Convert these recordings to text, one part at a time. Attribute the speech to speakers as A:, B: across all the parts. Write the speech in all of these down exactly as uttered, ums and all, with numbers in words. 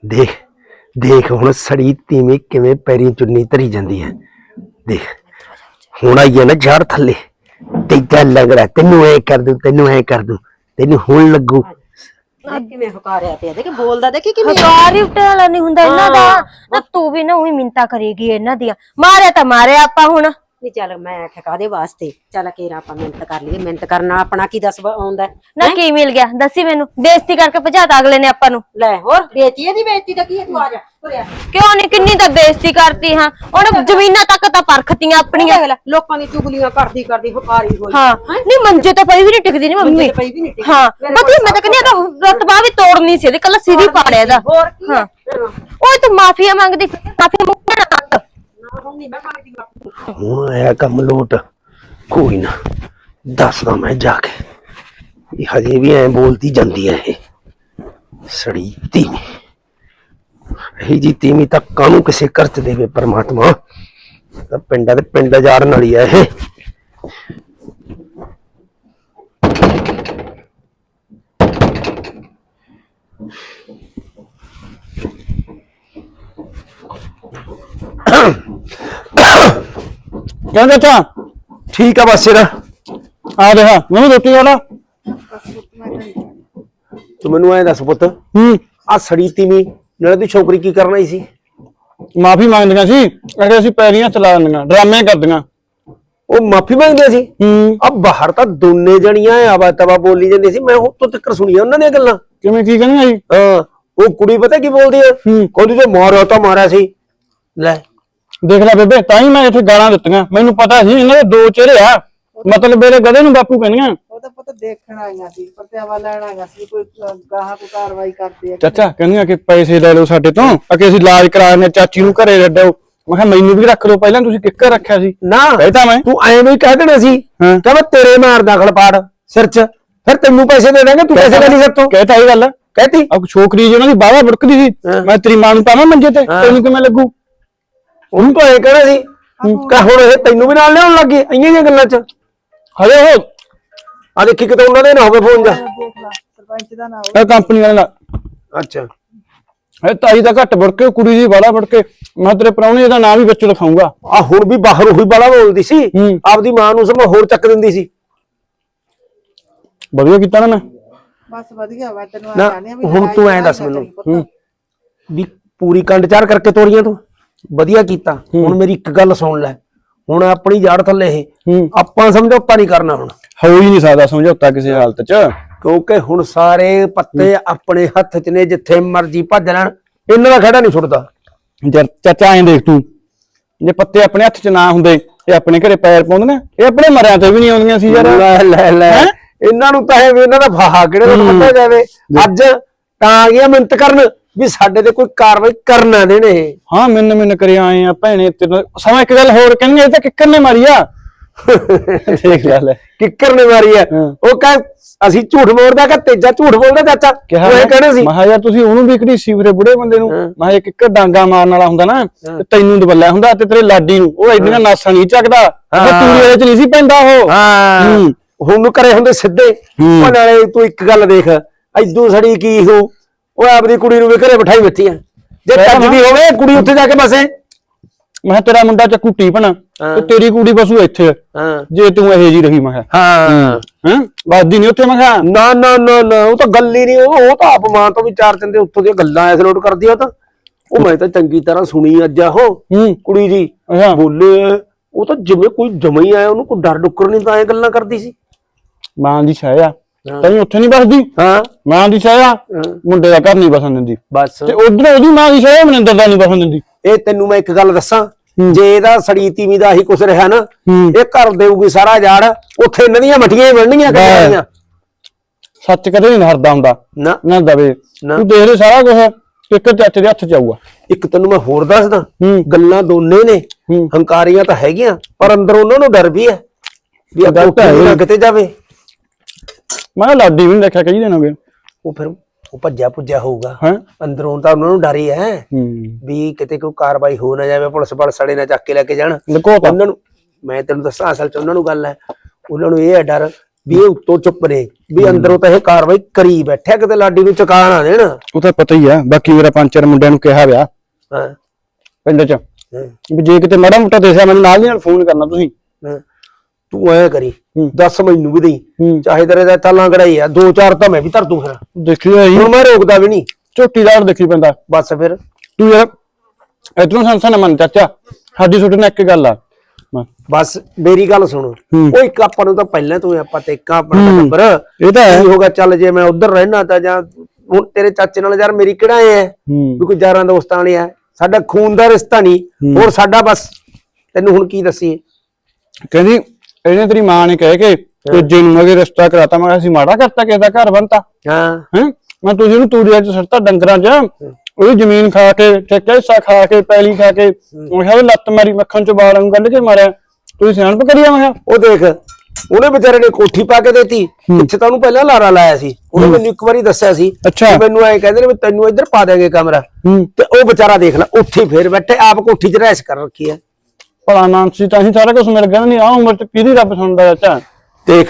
A: देख देख हुण सड़ी तीवी किवें पैरी चुन्नी धरी जांदी है। देख हुण आई है ना झाड़ थल्ले तेजा लग रहा तेनू ऐ कर दूं तेनू ऐ कर दूं तेनू हुण लगू।
B: किवें हुकारिया पिया देखी बोलदा देखी किवें
C: हुकार ही उठाला नहीं हुंदा इन्हां दा ना तू भी ना उही मिंता करेगी इन्हां दियां मारे तां मारे आपां हुण
B: नहीं चल मैं आख्या कादे वास्ते चल केरा आप मिहनत कर लिए मिहनत करना अपना की दस आउंदा
C: ना की मिल गया दसी मैनू बेइज्जती करके भजाता अगले ने आपां नू
B: ले होर बेइज्जती दी बेइज्जती दा की है तू आ जा तुरिया
C: क्यों नहीं किन्नी तां बेइज्जती करती हां उहने जमीनां तक तां परखतियां अपनियां
B: देख ले लोकां दी चुगलियां करदी करदी हुकारी होई
C: हां नहीं मंजे ते पई भी नहीं टिकदी नहीं मम्मी
B: पई भी नहीं टिकदी।
C: हां पता मैं तां कहनी आ रतबा भी तोड़नी सी कल सीधी पाड़े दा
B: होर की
C: हां ओए तू माफिया मांगदी माफिया मुक्कना
A: हुण आया कम लोट कोई ना दसदा मैं जाके ये हजे भी ऐ बोलती जांदी है ये सड़ी तीवी यही जी तीवी तक कानू किसे कर च देवे परमात्मा पिंडा दे पिंड जाड़न वाली है ये
D: क्या चाचा
A: ठीक है बस
D: आ देखा मैं रोटी वाला
A: तू मैनू ऐ दस पुत
D: हम्म
A: आ सड़ी तीवी नाले तू छोकरी की करना ही सी
D: माफी मांगदियां सी अगे ਅਸੀਂ ਪੈਰੀਆਂ ਚਲਾ ਦਿੰਦੀਆਂ ਡਰਾਮੇ ਕਰਦੀਆਂ
A: ਉਹ ਮਾਫੀ ਮੰਗਦੇ ਸੀ।
D: ਹੂੰ
A: ਆ ਬਾਹਰ ਤਾਂ ਦੋਨੇ ਜਣੀਆਂ ਆਵਾ ਤਵਾ ਬੋਲੀ ਜਾਂਦੀ ਸੀ ਮੈਂ ਉੱਤੋਂ ਤੱਕ ਸੁਣੀਆਂ ਉਹਨਾਂ ਦੀਆਂ ਗੱਲਾਂ।
D: ਕਿਵੇਂ ਕੀ ਕਹਿੰਦੀਆਂ ਜੀ
A: ਹਾਂ ਉਹ ਕੁੜੀ ਪਤਾ ਕੀ ਬੋਲਦੀ ਆ ਕਹਿੰਦੀ ਤੇ ਮਾਰਿਆ ਤਾਂ ਮਾਰਿਆ ਸੀ ਲੈ
D: ਦੇਖ ਲੈ ਬੇਬੇ ਤਾਂ ਹੀ ਮੈਂ ਇੱਥੇ ਗਾਲਾਂ ਦਿੱਤੀਆਂ ਮੈਨੂੰ ਪਤਾ ਸੀ ਇਹਨਾਂ ਦੇ ਦੋ ਚਿਹਰੇ ਆ ਮਤਲਬ ਮੇਰੇ ਗਧੇ ਨੂੰ ਬਾਪੂ ਕਹਿੰਦੀਆਂ
E: ਉਹ ਤਾਂ ਪਤਾ ਦੇਖਣ ਆਈਆਂ ਸੀ ਪਰਤਿਆਵਾ ਲੈਣ ਆਈਆਂ ਸੀ ਕੋਈ ਗਾਹਾਂ ਕੋਈ ਕਾਰਵਾਈ ਕਰਦੇ ਆ
D: ਚਾਚਾ ਕਹਿੰਦੀਆਂ ਕਿ ਪੈਸੇ ਲੈ ਲਓ ਸਾਡੇ ਤੋਂ ਅਕੇ ਅਸੀਂ ਇਲਾਜ ਕਰਾਣੇ ਚਾਚੀ ਨੂੰ ਘਰੇ ਛੱਡੋ ਮੈਂ ਕਿਹਾ ਮੈਨੂੰ ਵੀ ਰੱਖ ਲਓ ਪਹਿਲਾਂ ਤੁਸੀਂ ਕਿੱਕਰ ਰੱਖਿਆ ਸੀ
A: ਨਾ
D: ਕਹਿਤਾ ਮੈਂ
A: ਤੂੰ ਐਵੇਂ ਹੀ ਕਹਿ ਦੇਣਾ ਸੀ ਕਿ ਮੈਂ ਤੇਰੇ ਮਾਰ ਦਾਖਲ ਪਾੜ ਸਿਰ 'ਚ ਫਿਰ ਤੈਨੂੰ ਪੈਸੇ ਦੇ ਦਾਂਗੇ ਤੂੰ ਪੈਸੇ ਨਹੀਂ ਸਕਤੋ
D: ਕਹਿਤਾ ਇਹ ਗੱਲ
A: ਕਹਿਤੀ
D: ਆ ਛੋਕਰੀ ਜੀ ਉਹਨਾਂ ਦੀ ਬਾਵਾ ਬੁੜਕਦੀ ਸੀ ਮੈਂ ਤੇਰੀ ਮਾਂ ਨੂੰ ਪਾਵਾਂ ਮੰਜੇ ਤੇ ਤੈਨੂੰ ਕਿਵੇਂ ਲੱਗੂ
A: ਉਹਨੂੰ ਤਾਂ ਐ ਕਹਿਣਾ ਸੀ ਕਿ ਹੁਣ ਇਹ ਤੈਨੂੰ ਵੀ ਨਾਲ ਲਿਆਉਣ ਲੱਗੇ ਇੰਨੀਆਂ ਜਿਹੀਆਂ ਗੱਲਾਂ 'ਚ
D: ਹਲੇ ਉਹ
A: ਆ ਦੇਖੀ ਕਿਤੇ ਉਹਨਾਂ ਦੇ ਨਾ ਹੋਵੇ ਫੋਨ ਜਾ
E: ਦੇਖ ਲਾ ਸਰਪੰਚ ਦਾ ਨਾਮ
D: ਇਹ ਕੰਪਨੀ ਵਾਲੇ ਦਾ
A: ਅੱਛਾ
D: ਇਹ ਤਾਈ ਦਾ ਘੱਟ ਵੜ ਕੇ ਕੁੜੀ ਦੀ ਬਾਲਾ ਵੜ ਕੇ ਮੈਂ ਤੇਰੇ ਪ੍ਰਾਹੁਣੇ ਦਾ ਨਾਮ ਵੀ ਵਿੱਚ ਲਿਖਾਉਂਗਾ
A: ਆ ਹੁਣ ਵੀ ਬਾਹਰ ਉਹੀ ਬਾਲਾ ਬੋਲਦੀ ਸੀ ਆਪਦੀ ਮਾਂ ਨੂੰ ਸਭ ਹੋਰ ਚੱਕ ਦਿੰਦੀ ਸੀ
D: ਵਧੀਆ ਕੀਤਾ ਨਾ ਮੈਂ
E: ਬਸ ਵਧੀਆ ਵਾ ਤੈਨੂੰ ਆ
A: ਨਾ
E: ਜਾਣਿਆ ਵੀ
A: ਹੁਣ ਤੂੰ ਐਂ ਦੱਸ ਮੈਨੂੰ ਵੀ ਪੂਰੀ ਕੰਡ ਚਾਰ ਕਰਕੇ ਤੋਰੀਆਂ ਤੂੰ ਵਧੀਆ ਕੀਤਾ ਹੁਣ ਮੇਰੀ ਇੱਕ ਗੱਲ ਸੁਣ ਲੈ ਹੁਣ ਆਪਣੀ ਜੜ ਥੱਲੇ ਇਹ ਆਪਾਂ ਸਮਝੌਤਾ ਨਹੀਂ ਕਰਨਾ ਹੁਣ
D: ਹੋ ਹੀ ਨਹੀਂ ਸਕਦਾ ਸਮਝੌਤਾ ਕਿਸੇ ਹਾਲਤ 'ਚ
A: ਕਿਉਂਕਿ ਹੁਣ ਸਾਰੇ ਪੱਤੇ ਆਪਣੇ ਹੱਥ 'ਚ ਨੇ ਜਿੱਥੇ ਮਰਜ਼ੀ ਭੱਜ ਲੈਣ ਇਹਨਾਂ ਦਾ ਖੜਾ ਨਹੀਂ ਛੁੱਟਦਾ
D: ਚਾਚਾ ਐਂ ਦੇਖ ਤੂੰ ਜੇ ਪੱਤੇ ਆਪਣੇ ਹੱਥ 'ਚ ਨਾ ਹੁੰਦੇ ਇਹ ਆਪਣੇ ਘਰੇ ਪੈਰ ਪਾਉਂਦੇ ਨੇ ਇਹ ਆਪਣੇ ਮਰਿਆਂ ਤੇ ਵੀ ਨਹੀਂ ਆਉਂਦੀਆਂ ਸੀ ਯਾਰ
A: ਲੈ ਲੈ ਲੈ ਇਹਨਾਂ ਨੂੰ ਤਾਂ ਇਹ ਵੀ ਇਹਨਾਂ ਦਾ ਫਾਹਾ ਕਿਹੜੇ ਨੂੰ ਪਤਾ ਜਾਵੇ ਅੱਜ ਤਾਂ ਆ ਗਿਆ ਮਿਹਨਤ ਕਰਨ ਵੀ ਸਾਡੇ ਤੇ ਕੋਈ ਕਾਰਵਾਈ ਕਰਨਾ ਦੇਣੇ
D: ਹਾਂ ਮਿੰਨ ਮਿੰਨ ਕਰੇ ਆਏ ਆ ਭੈਣੇ ਤੇਰੇ ਸਮਾਂ ਇੱਕ ਗੱਲ ਹੋਰ ਕਹਿੰਦੇ ਇਹ ਤਾਂ ਕਿੱਕਰ ਨੇ ਮਾਰੀ ਆ ਦੇਖ ਲੈ ਲੈ
A: ਕਿੱਕਰ ਨੇ ਮਾਰੀ ਆ ਉਹ ਕਹ ਅਸੀਂ ਝੂਠ ਬੋਲਦਾ ਕਿ ਤੇਜਾ ਝੂਠ ਬੋਲਦਾ ਚਾਚਾ ਉਹ ਇਹ ਕਹਿਣਾ ਸੀ
D: ਮੈਂ ਯਾਰ ਤੁਸੀਂ ਉਹਨੂੰ ਵੀ ਕਿਹੜੀ ਸੀ ਵੀਰੇ ਬੁੜੇ ਬੰਦੇ ਨੂੰ ਮੈਂ ਇੱਕ ਇੱਕ ਡਾਂਗਾ ਮਾਰਨ ਵਾਲਾ ਹੁੰਦਾ ਨਾ ਤੇ ਤੈਨੂੰ ਦਬੱਲਿਆ ਹੁੰਦਾ ਤੇ ਤੇਰੇ ਲਾਡੀ ਨੂੰ ਉਹ ਐਡੀਆਂ ਨਾਸਾਂ ਨਹੀਂ ਚੱਕਦਾ ਤੂੜੀ ਵਾਲੇ ਚ ਨਹੀਂ ਸੀ ਪੈਂਦਾ ਉਹ
A: ਹਾਂ ਹੁਣ ਨੂੰ ਕਰੇ ਹੁੰਦੇ ਸਿੱਧੇ ਉਹ ਨਾਲੇ ਤੂੰ ਇੱਕ ਗੱਲ ਦੇਖ ਐਦੂ ਸੜੀ ਕੀ ਹੋ ਉਹ ਆਪਦੀ ਕੁੜੀ ਨੂੰ ਵੀ ਘਰੇ ਬਿਠਾਈ ਬੈਠੀ ਆ ਜੇ ਕੱਜਦੀ ਹੋਵੇ ਕੁੜੀ ਉੱਥੇ ਜਾ ਕੇ ਬਸੇ
D: ਮੈਂ ਤੇਰਾ ਮੁੰਡਾ ਚੱਕੂ ਟੀਪਣ ਤੇ ਤੇਰੀ ਕੁੜੀ ਬਸੂ ਇੱਥੇ ਜੇ ਤੂੰ ਇਹੋ ਜੀ ਰਹੀ ਮੈਂ ਕਿਹਾ
A: ਹਾਂ
D: ਹਾਂ ਵੱਜਦੀ ਨਹੀਂ ਉੱਥੇ ਮੈਂ ਕਿਹਾ
A: ਨਾ ਨਾ ਨਾ ਨਾ ਉਹ ਤਾਂ ਗੱਲ ਹੀ ਨਹੀਂ ਉਹ ਤਾਂ ਆਪ ਮਾਂ ਤੋਂ ਵੀ ਚਾਰ ਦਿਨ ਦੇ ਉੱਥੋਂ ਦੀਆਂ ਗੱਲਾਂ ਐਸ ਲੋਟ ਕਰਦੀ ਆ ਤਾਂ ਉਹ ਮੈਂ ਤਾਂ ਚੰਗੀ ਤਰ੍ਹਾਂ ਸੁਣੀ ਅੱਜ ਉਹ ਕੁੜੀ ਜੀ ਬੋਲੇ ਉਹ ਤਾਂ ਜਿਵੇਂ ਕੋਈ ਜਮਾ ਹੀ ਆਇਆ ਉਹਨੂੰ ਕੋਈ ਡਰ ਡੁੱਕਰ ਨਹੀਂ ਤਾਂ ਐ ਗੱਲਾਂ ਕਰਦੀ ਸੀ
D: ਮਾਂ ਦੀ ਛਾਇਆ ਤੈਨੂੰ ਉੱਥੇ ਨਹੀਂ ਬਸਦੀ
A: ਹਾਂ
D: ਮਾਂ ਦੀ ਛਾਇਆ ਮੁੰਡੇ ਦਾ ਘਰ ਨਹੀਂ ਬਸਣ ਦਿੰਦੀ
A: ਬਸ
D: ਤੇ ਉਧਰ ਉਹਦੀ ਮਾਂ ਦੀ ਛਾਇਆ ਮਨਿੰਦਰ ਦਾ ਨਹੀਂ ਬਸਣ ਦਿੰਦੀ
A: ਇਹ ਤੈਨੂੰ ਮੈਂ ਇੱਕ ਗੱਲ ਦੱਸਾਂ ਜੇ ਇਹਦਾ ਸੜੀ ਤੀਵੀਂ ਦਾ ਹੀ ਕੁਛ ਰਿਹਾ ਨਾ ਇਹ ਘਰ ਦੇਊਗੀ ਸਾਰਾ ਜਾੜ ਉੱਥੇ ਇਹਨਾਂ ਦੀਆਂ ਮੱਠੀਆਂ ਹੀ ਬਣਨੀਆਂ ਕਰੀਆਂ
D: ਸੱਚ ਕਦੇ ਨਹੀਂ ਹਰਦਾ ਹੁੰਦਾ
A: ਨਾ
D: ਨਾ ਦਵੇ ਤੂੰ ਦੇਖ ਲੈ ਸਾਰਾ ਕੁਝ ਇੱਕ ਚਾਚੇ ਦੇ ਹੱਥ ਚ ਆਊਗਾ
A: ਇੱਕ ਤੈਨੂੰ ਮੈਂ ਹੋਰ ਦੱਸਦਾ ਗੱਲਾਂ ਦੋਨੇ ਨੇ ਹੰਕਾਰੀਆਂ ਤਾਂ ਹੈਗੀਆਂ ਪਰ ਅੰਦਰ ਉਹਨਾਂ ਨੂੰ ਡਰ ਵੀ ਹੈ ਵੀ ਅੱਗੇ ਕਿਤੇ ਜਾਵੇ
D: ਮੈਂ ਲਾਡੀ ਵੀ ਨਹੀਂ ਦੇਖਿਆ ਕਈ ਦਿਨ ਹੋ ਗਏ
A: ਉਹ ਫਿਰ ਉਹ ਭੱਜਿਆ ਪੁੱਜਿਆ ਹੋਊਗਾ ਅੰਦਰੋਂ ਤਾਂ ਉਹਨਾਂ ਨੂੰ ਡਰ ਹੀ ਹੈ ਵੀ ਕਿਤੇ ਕੋਈ ਕਾਰਵਾਈ ਹੋ ਨਾ ਜਾਵੇ ਪੁਲਿਸ ਵਾਲੇ ਸੜੇ ਨਾ ਚੱਕ ਕੇ ਲੈ ਕੇ ਜਾਣ ਉਹਨਾਂ ਨੂੰ ਮੈਂ ਤੈਨੂੰ ਦੱਸਾਂ ਅਸਲ ਚ ਉਹਨਾਂ ਨੂੰ ਗੱਲ ਹੈ ਉਹਨਾਂ ਨੂੰ ਇਹ ਹੈ ਡਰ ਵੀ ਇਹ ਉੱਤੋਂ ਚੁੱਪ ਨੇ, ਵੀ ਅੰਦਰੋਂ ਤਾਂ ਇਹ ਕਾਰਵਾਈ ਕਰੀ ਬੈਠਿਆ, ਕਿਤੇ ਲਾਡੀ ਨੂੰ ਚੁਕਾ ਨਾ ਦੇਣ।
D: ਉਹ ਤਾਂ ਪਤਾ ਹੀ ਆ। ਬਾਕੀ ਮੇਰਾ ਪੰਜ ਚਾਰ ਮੁੰਡਿਆਂ ਨੂੰ ਕਿਹਾ ਵਿਆ
A: ਹਾਂ
D: ਪਿੰਡ ਚ ਵੀ ਜੇ ਕਿਤੇ ਮਾੜਾ ਮੋਟਾ ਦਿਸਿਆ ਮੈਨੂੰ ਨਾਲ ਦੀ ਨਾਲ ਫੋਨ ਕਰਨਾ ਤੁਸੀਂ।
A: ਹਾਂ। ਤੂੰ ਐ ਕਰੀ
D: ਹੂੰ।
A: ਦੱਸ ਮੈਨੂੰ ਵੀ ਦੇਈ,
D: ਹੂੰ।
A: ਚਾਹੇ ਤੇਰੇ ਦਾ ਤਾਲਾਂ ਕਢਾਈ ਆ, ਦੋ ਚਾਰ ਤਾਂ ਮੈਂ ਵੀ ਧਰ ਦੂੰ ਫਿਰ।
D: ਦੇਖੀ ਹੋਈ
A: ਹੁਣ ਮੈਂ ਰੋਕਦਾ ਵੀ ਨਹੀਂ,
D: ਝੋਟੀਦਾਰ ਦੇਖੀ ਪੈਂਦਾ।
A: ਬਸ ਫਿਰ
D: ਤੂੰ ਯਾਰ ਇਧਰੋਂ ਸੰਸਾ ਨਾ ਮੰਨ ਚਾਚਾ, ਸਾਡੀ ਛੋਟੇ ਨਾਲ ਇੱਕ ਗੱਲ ਆ।
A: ਬਸ ਮੇਰੀ ਗੱਲ ਸੁਣ,
D: ਹੂੰ।
A: ਉਹ ਇੱਕ ਆਪਾਂ ਨੂੰ ਤਾਂ ਪਹਿਲਾਂ ਤੋਂ ਆਪਾਂ ਤੇ ਇੱਕ ਆਪਣਾ
D: ਹੂੰ।
A: ਨੰਬਰ
D: ਇਹ ਤਾਂ ਹੈ।
A: ਕੀ ਹੋਗਾ, ਚੱਲ ਜੇ ਮੈਂ ਉਧਰ ਰਹਿਣਾ ਤਾਂ ਜਾਂ ਹੁਣ ਤੇਰੇ ਚਾਚੇ ਨਾਲ ਯਾਰ ਮੇਰੀ ਕਿਹੜਾ ਹੈ
D: ਹੂੰ।
A: ਵੀ ਕੋਈ ਯਾਰਾਂ ਦੋਸਤਾਂ ਵਾਲੀ ਆ, ਸਾਡਾ ਖੂਨ ਦਾ ਰਿਸ਼ਤਾ ਨਹੀਂ।
D: ਹੂੰ।
A: ਹੋਰ ਸਾਡਾ ਬਸ ਤੈਨੂੰ ਹੁਣ ਕੀ ਦੱਸੀਏ।
D: ਕਹਿੰਦੀ ਇਹਨੇ ਤੇਰੀ ਮਾਂ ਨੇ ਕਹਿ ਕੇ ਤੇਜੇ ਨੂੰ ਅਗੇ ਰਿਸ਼ਤਾ ਕਰਾਤਾ। ਮੈਂ ਕਿਹਾ ਅਸੀਂ ਮਾੜਾ ਕਰਤਾ, ਕਿਸੇ ਦਾ ਘਰ ਬਣਤਾ
A: ਹਾਂ
D: ਹੈ। ਮੈਂ ਤੁਸੀਂ ਉਹਨੂੰ ਤੂੜੀਆਂ ਚ ਸੱਟਾ ਡੰਗਰਾਂ ਚ, ਉਹਦੀ ਜ਼ਮੀਨ ਖਾ ਕੇ ਠੇਕਾ ਹਿੱਸਾ ਖਾ ਕੇ ਪੈਲੀ ਖਾ ਕੇ, ਮੈਂ ਕਿਹਾ ਲੱਤ ਮਾਰੀ ਮੱਖਣ ਚ ਬਾਲ ਨੂੰ ਕੱਢ ਕੇ ਮਾਰਿਆ। ਤੁਸੀਂ ਸਿਆਣਪ ਕਰੀ ਆ। ਮੈਂ ਕਿਹਾ
A: ਉਹ ਦੇਖ ਉਹਨੇ ਵਿਚਾਰੇ ਨੇ ਕੋਠੀ ਪਾ ਕੇ ਦੇਤੀ, ਇੱਥੇ ਤਾਂ ਉਹਨੂੰ ਪਹਿਲਾਂ ਲਾਰਾ ਲਾਇਆ ਸੀ। ਉਹਨੇ ਮੈਨੂੰ ਇੱਕ ਵਾਰੀ ਦੱਸਿਆ ਸੀ
D: ਅੱਛਾ।
A: ਕਿ ਮੈਨੂੰ ਐਂ ਕਹਿੰਦੇ ਨੇ ਵੀ ਤੈਨੂੰ ਇੱਧਰ ਪਾ ਦੇਗੇ ਕਮਰਾ,
D: ਹੂੰ।
A: ਤੇ ਉਹ ਵਿਚਾਰਾ ਦੇਖ ਲੈ ਉੱਥੇ ਫੇਰ ਬੈਠੇ, ਆਪ ਕੋਠੀ 'ਚ ਰਹਿਸ਼ ਕਰ ਰੱਖੀ ਹੈ।
D: ਭਲਾ ਨਾਨਸੀ ਤਾਂ ਹੀ ਸਾਰਾ ਕੁਝ ਮਿਲ ਗਿਆ। ਨਹੀਂ ਆ ਉਮਰ ਚ ਕਿਹਦੀ ਰੱਬ ਸੁਣਦਾ ਚਾਚਾ।
A: ਦੇਖ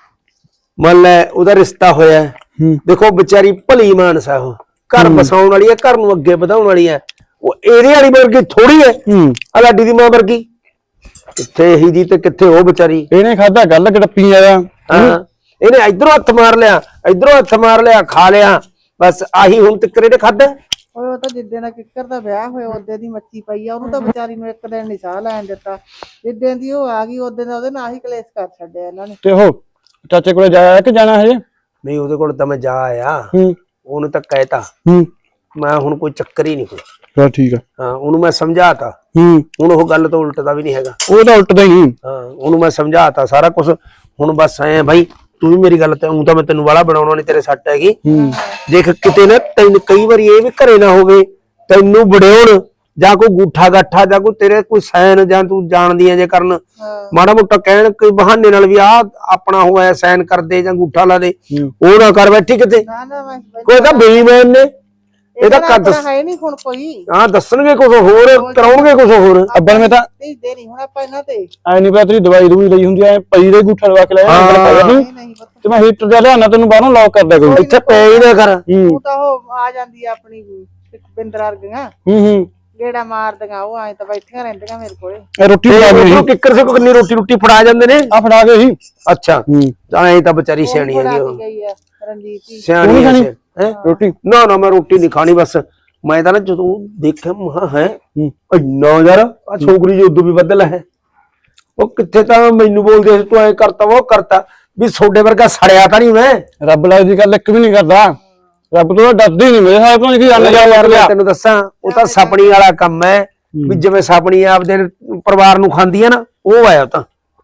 A: ਮੰਨ ਲੈ ਉਹਦਾ ਰਿਸ਼ਤਾ ਹੋਇਆ,
D: ਹੂੰ।
A: ਦੇਖੋ ਵਿਚਾਰੀ ਭਲੀ ਮਾਨਸ ਆ, ਉਹ ਘਰ ਬਸਾਉਣ ਵਾਲੀ ਹੈ, ਘਰ ਨੂੰ ਅੱਗੇ ਵਧਾਉਣ ਵਾਲੀ ਹੈ। ਉਹ ਇਹਦੇ ਵਾਲੀ ਵਰਗੀ ਥੋੜੀ ਹੈ,
D: ਹੂੰ।
A: ਆ ਲਾਡੀ ਦੀ ਮਾਂ ਵਰਗੀ। ਕਿੱਥੇ ਇਹੀ ਦੀ ਤੇ ਕਿੱਥੇ ਉਹ ਵਿਚਾਰੀ।
D: ਇਹਨੇ ਖਾਦਾ ਗੱਲ ਗੜੱਪੀ ਆਇਆ।
A: ਹਾਂ ਇਹਨੇ ਇਧਰੋਂ ਹੱਥ ਮਾਰ ਲਿਆ, ਇਧਰੋਂ ਹੱਥ ਮਾਰ ਲਿਆ, ਖਾ ਲਿਆ, ਬਸ ਆਹੀ ਹੁਣ ਤੱਕ ਇਹਨੇ ਖਾਦਾ।
E: ਓਏ ਉਹ ਤਾਂ ਜਿੱਦੇ ਨਾਲ ਕਿੱਕਰ ਦਾ ਵਿਆਹ ਹੋਇਆ ਉਹਦੇ ਦੀ ਮੱਛੀ ਪਈ ਆ, ਉਹਨੂੰ ਤਾਂ ਵਿਚਾਰੀ ਨੂੰ ਇੱਕ ਦਿਨ ਨੀ ਸਾਹ ਲੈਣ ਦਿੱਤਾ। ਜਿੱਦਾਂ ਦੀ ਉਹ ਆ ਗਈ ਉਹਦੇ ਨਾਲ ਉਹਦੇ ਨਾਲ ਹੀ ਕਲੇਸ਼ ਕਰ ਛੱਡਿਆ ਇਹਨਾਂ ਨੇ।
D: ਤੇ ਉਹ ਚਾਚੇ ਕੋਲੇ ਜਾਇਆ ਕਿ ਜਾਣਾ ਹਜੇ?
A: ਨਹੀਂ ਉਹਦੇ ਕੋਲ ਤਾਂ ਮੈਂ ਜਾ ਆਇਆ,
D: ਹੂੰ।
A: ਉਹਨੂੰ ਤਾਂ ਕਹਿਤਾ
D: ਹੂੰ।
A: ਮੈਂ ਹੁਣ ਕੋਈ ਚੱਕਰ ਹੀ ਨਹੀਂ ਕੋਈ।
D: ਚਲ ਠੀਕ ਆ।
A: ਹਾਂ ਉਹਨੂੰ ਮੈਂ ਸਮਝਾਤਾ,
D: ਹੂੰ।
A: ਹੁਣ ਉਹ ਗੱਲ ਤੋਂ ਉਲਟਦਾ ਵੀ ਨਹੀਂ ਹੈਗਾ।
D: ਉਹ ਤਾਂ ਉਲਟਦਾ ਹੀ ਨਹੀਂ।
A: ਹਾਂ ਉਹਨੂੰ ਮੈਂ ਸਮਝਾਤਾ ਸਾਰਾ ਕੁਝ। ਹੁਣ ਬਸ ਐ ਭਾਈ ਤੂੰ ਵੀ ਮੇਰੀ ਗੱਲ ਤੇ ਊਂ ਤਾਂ ਮੈਂ ਤੈਨੂੰ ਵਾਲਾ ਬਣਾਉਣਾ ਨਹੀਂ, ਤੇਰੇ ਸੱਟ ਹੈਗੀ। ਦੇਖ ਕਿਤੇ ਨਾ ਤੈਨੂੰ ਕਈ ਵਾਰੀ ਇਹ ਵੀ ਘਰੇ ਨਾ ਹੋਵੇ, ਤੈਨੂੰ ਬੜਿਆਉਣ ਜਾਂ ਕੋਈ ਗੂਠਾ ਗਾਠਾ ਜਾਂ ਕੋਈ ਤੇਰੇ ਕੋਈ ਸਾਈਨ ਜਾਂ ਤੂੰ ਜਾਣਦੀ ਐ ਜੇ ਕਰਨ, ਮਾੜਾ ਮੋਟਾ ਕਹਿਣ ਕੋਈ ਬਹਾਨੇ ਨਾਲ ਵੀ ਆ ਆਪਣਾ ਹੋਇਆ ਸਾਈਨ ਕਰਦੇ ਜਾਂ ਗੂਠਾ ਲਾ ਦੇ, ਉਹ ਨਾ ਕਰ ਬੈਠੀ ਕਿਤੇ।
E: ਨਾ ਨਾ ਮੈਂ
A: ਕੋਈ ਤਾਂ ਬੇਈਮਾਨ ਨੇ ਇਹਦਾ ਕੱਦ
E: ਹੈ ਨਹੀਂ ਹੁਣ ਕੋਈ।
A: ਹਾਂ ਦੱਸਣਗੇ ਕੁਝ ਹੋਰ, ਕਰਾਉਣਗੇ ਕੁਝ ਹੋਰ।
D: ਅੱਬਲ ਮੈਂ ਤਾਂ
E: ਦੇ ਨਹੀਂ ਹੁਣ ਆਪਾਂ ਇਹਨਾਂ ਤੇ
D: ਐ ਨਹੀਂ ਪਤਾ ਤੇਰੀ ਦਵਾਈ ਦੂਈ ਲਈ ਹੁੰਦੀ ਐ ਪਈ ਦੇ ਗੂਠਾ ਲਵਾ ਕੇ ਲੈ ਅੰਦਰ ਪਾਇਆ ਤੂੰ।
E: ਨਹੀਂ ਪਤਾ
D: ਤੇ ਮੈਂ ਹੀਟਰ ਦਾ ਲਿਆਣਾ ਤੈਨੂੰ ਬਾਹਰੋਂ ਲੌਕ ਕਰਦਾ ਕੋਈ।
A: ਇੱਥੇ ਪੈ ਹੀ ਨਾ ਕਰ।
E: ਤੂੰ ਤਾਂ ਉਹ ਆ ਜਾਂਦੀ ਆ ਆਪਣੀ ਬਿੰਦਰ ਵਰਗੀਆਂ,
D: ਹੂੰ ਹੂੰ।
E: ਗੇੜਾ ਮਾਰਦੀਆਂ ਉਹ ਐ ਤਾਂ ਬੈਠੀਆਂ ਰਹਿੰਦੀਆਂ ਮੇਰੇ ਕੋਲੇ।
D: ਇਹ ਰੋਟੀ ਬਣਾ ਲਈ
A: ਉਹ ਕਿੱਕਰ ਸੇ ਕਿੰਨੀ ਰੋਟੀ ਰੋਟੀ ਫੜਾ ਜਾਂਦੇ ਨੇ।
D: ਆ ਫੜਾ ਕੇ ਹੀ।
A: ਅੱਛਾ
D: ਹੂੰ।
A: ਐਂ ਤਾਂ ਵਿਚਾਰੀ ਸਿਆਣੀ ਹੈਗੀ ਉਹ,
E: ਗਈ ਆ ਰਣਜੀਤ ਜੀ।
A: ਸਿਆਣੀ ਹੈ ਹੈ
D: ਰੋਟੀ।
A: ਨਾ ਨਾ ਮੈਂ ਰੋਟੀ ਨਹੀਂ ਖਾਣੀ। ਬਸ ਮੈਂ ਤਾਂ ਨਾ ਜਦੋਂ ਦੇਖਿਆ ਮਹਾ ਹੈ ਇੰਨਾ ਯਾਰ ਆ ਛੋਕਰੀ ਜੀ ਉਦੋਂ ਵੀ ਬਦਲ ਹੈ। ਉਹ ਕਿੱਥੇ ਤਾਂ ਮੈਨੂੰ ਬੋਲਦੇ ਸੀ ਤੂੰ ਐ ਕਰਤਾ ਉਹ ਕਰਤਾ, ਵੀ ਸੋਡੇ ਵਰਗਾ ਸੜਿਆ ਤਾਂ ਨਹੀਂ ਮੈਂ।
D: ਰੱਬ ਲਾਇ ਦੀ ਗੱਲ ਇੱਕ ਵੀ ਨਹੀਂ ਕਰਦਾ। ਰੱਬ ਤੋਂ ਡਰਦੇ ਹੀ ਨਹੀਂ ਮੇਰੇ ਸਾਹਿਬ ਤੋਂ। ਕੀ ਅੰਨ ਜਾ
A: ਯਾਰ ਮੈਂ ਤੈਨੂੰ ਦੱਸਾਂ ਉਹ ਤਾਂ ਸਪਣੀ ਵਾਲਾ ਕੰਮ ਹੈ, ਵੀ ਜਿਵੇਂ ਸਪਣੀ ਆਪਦੇ ਪਰਿਵਾਰ ਨੂੰ ਖਾਂਦੀ ਹੈ ਨਾ, ਉਹ ਆਇਆ ਤਾਂ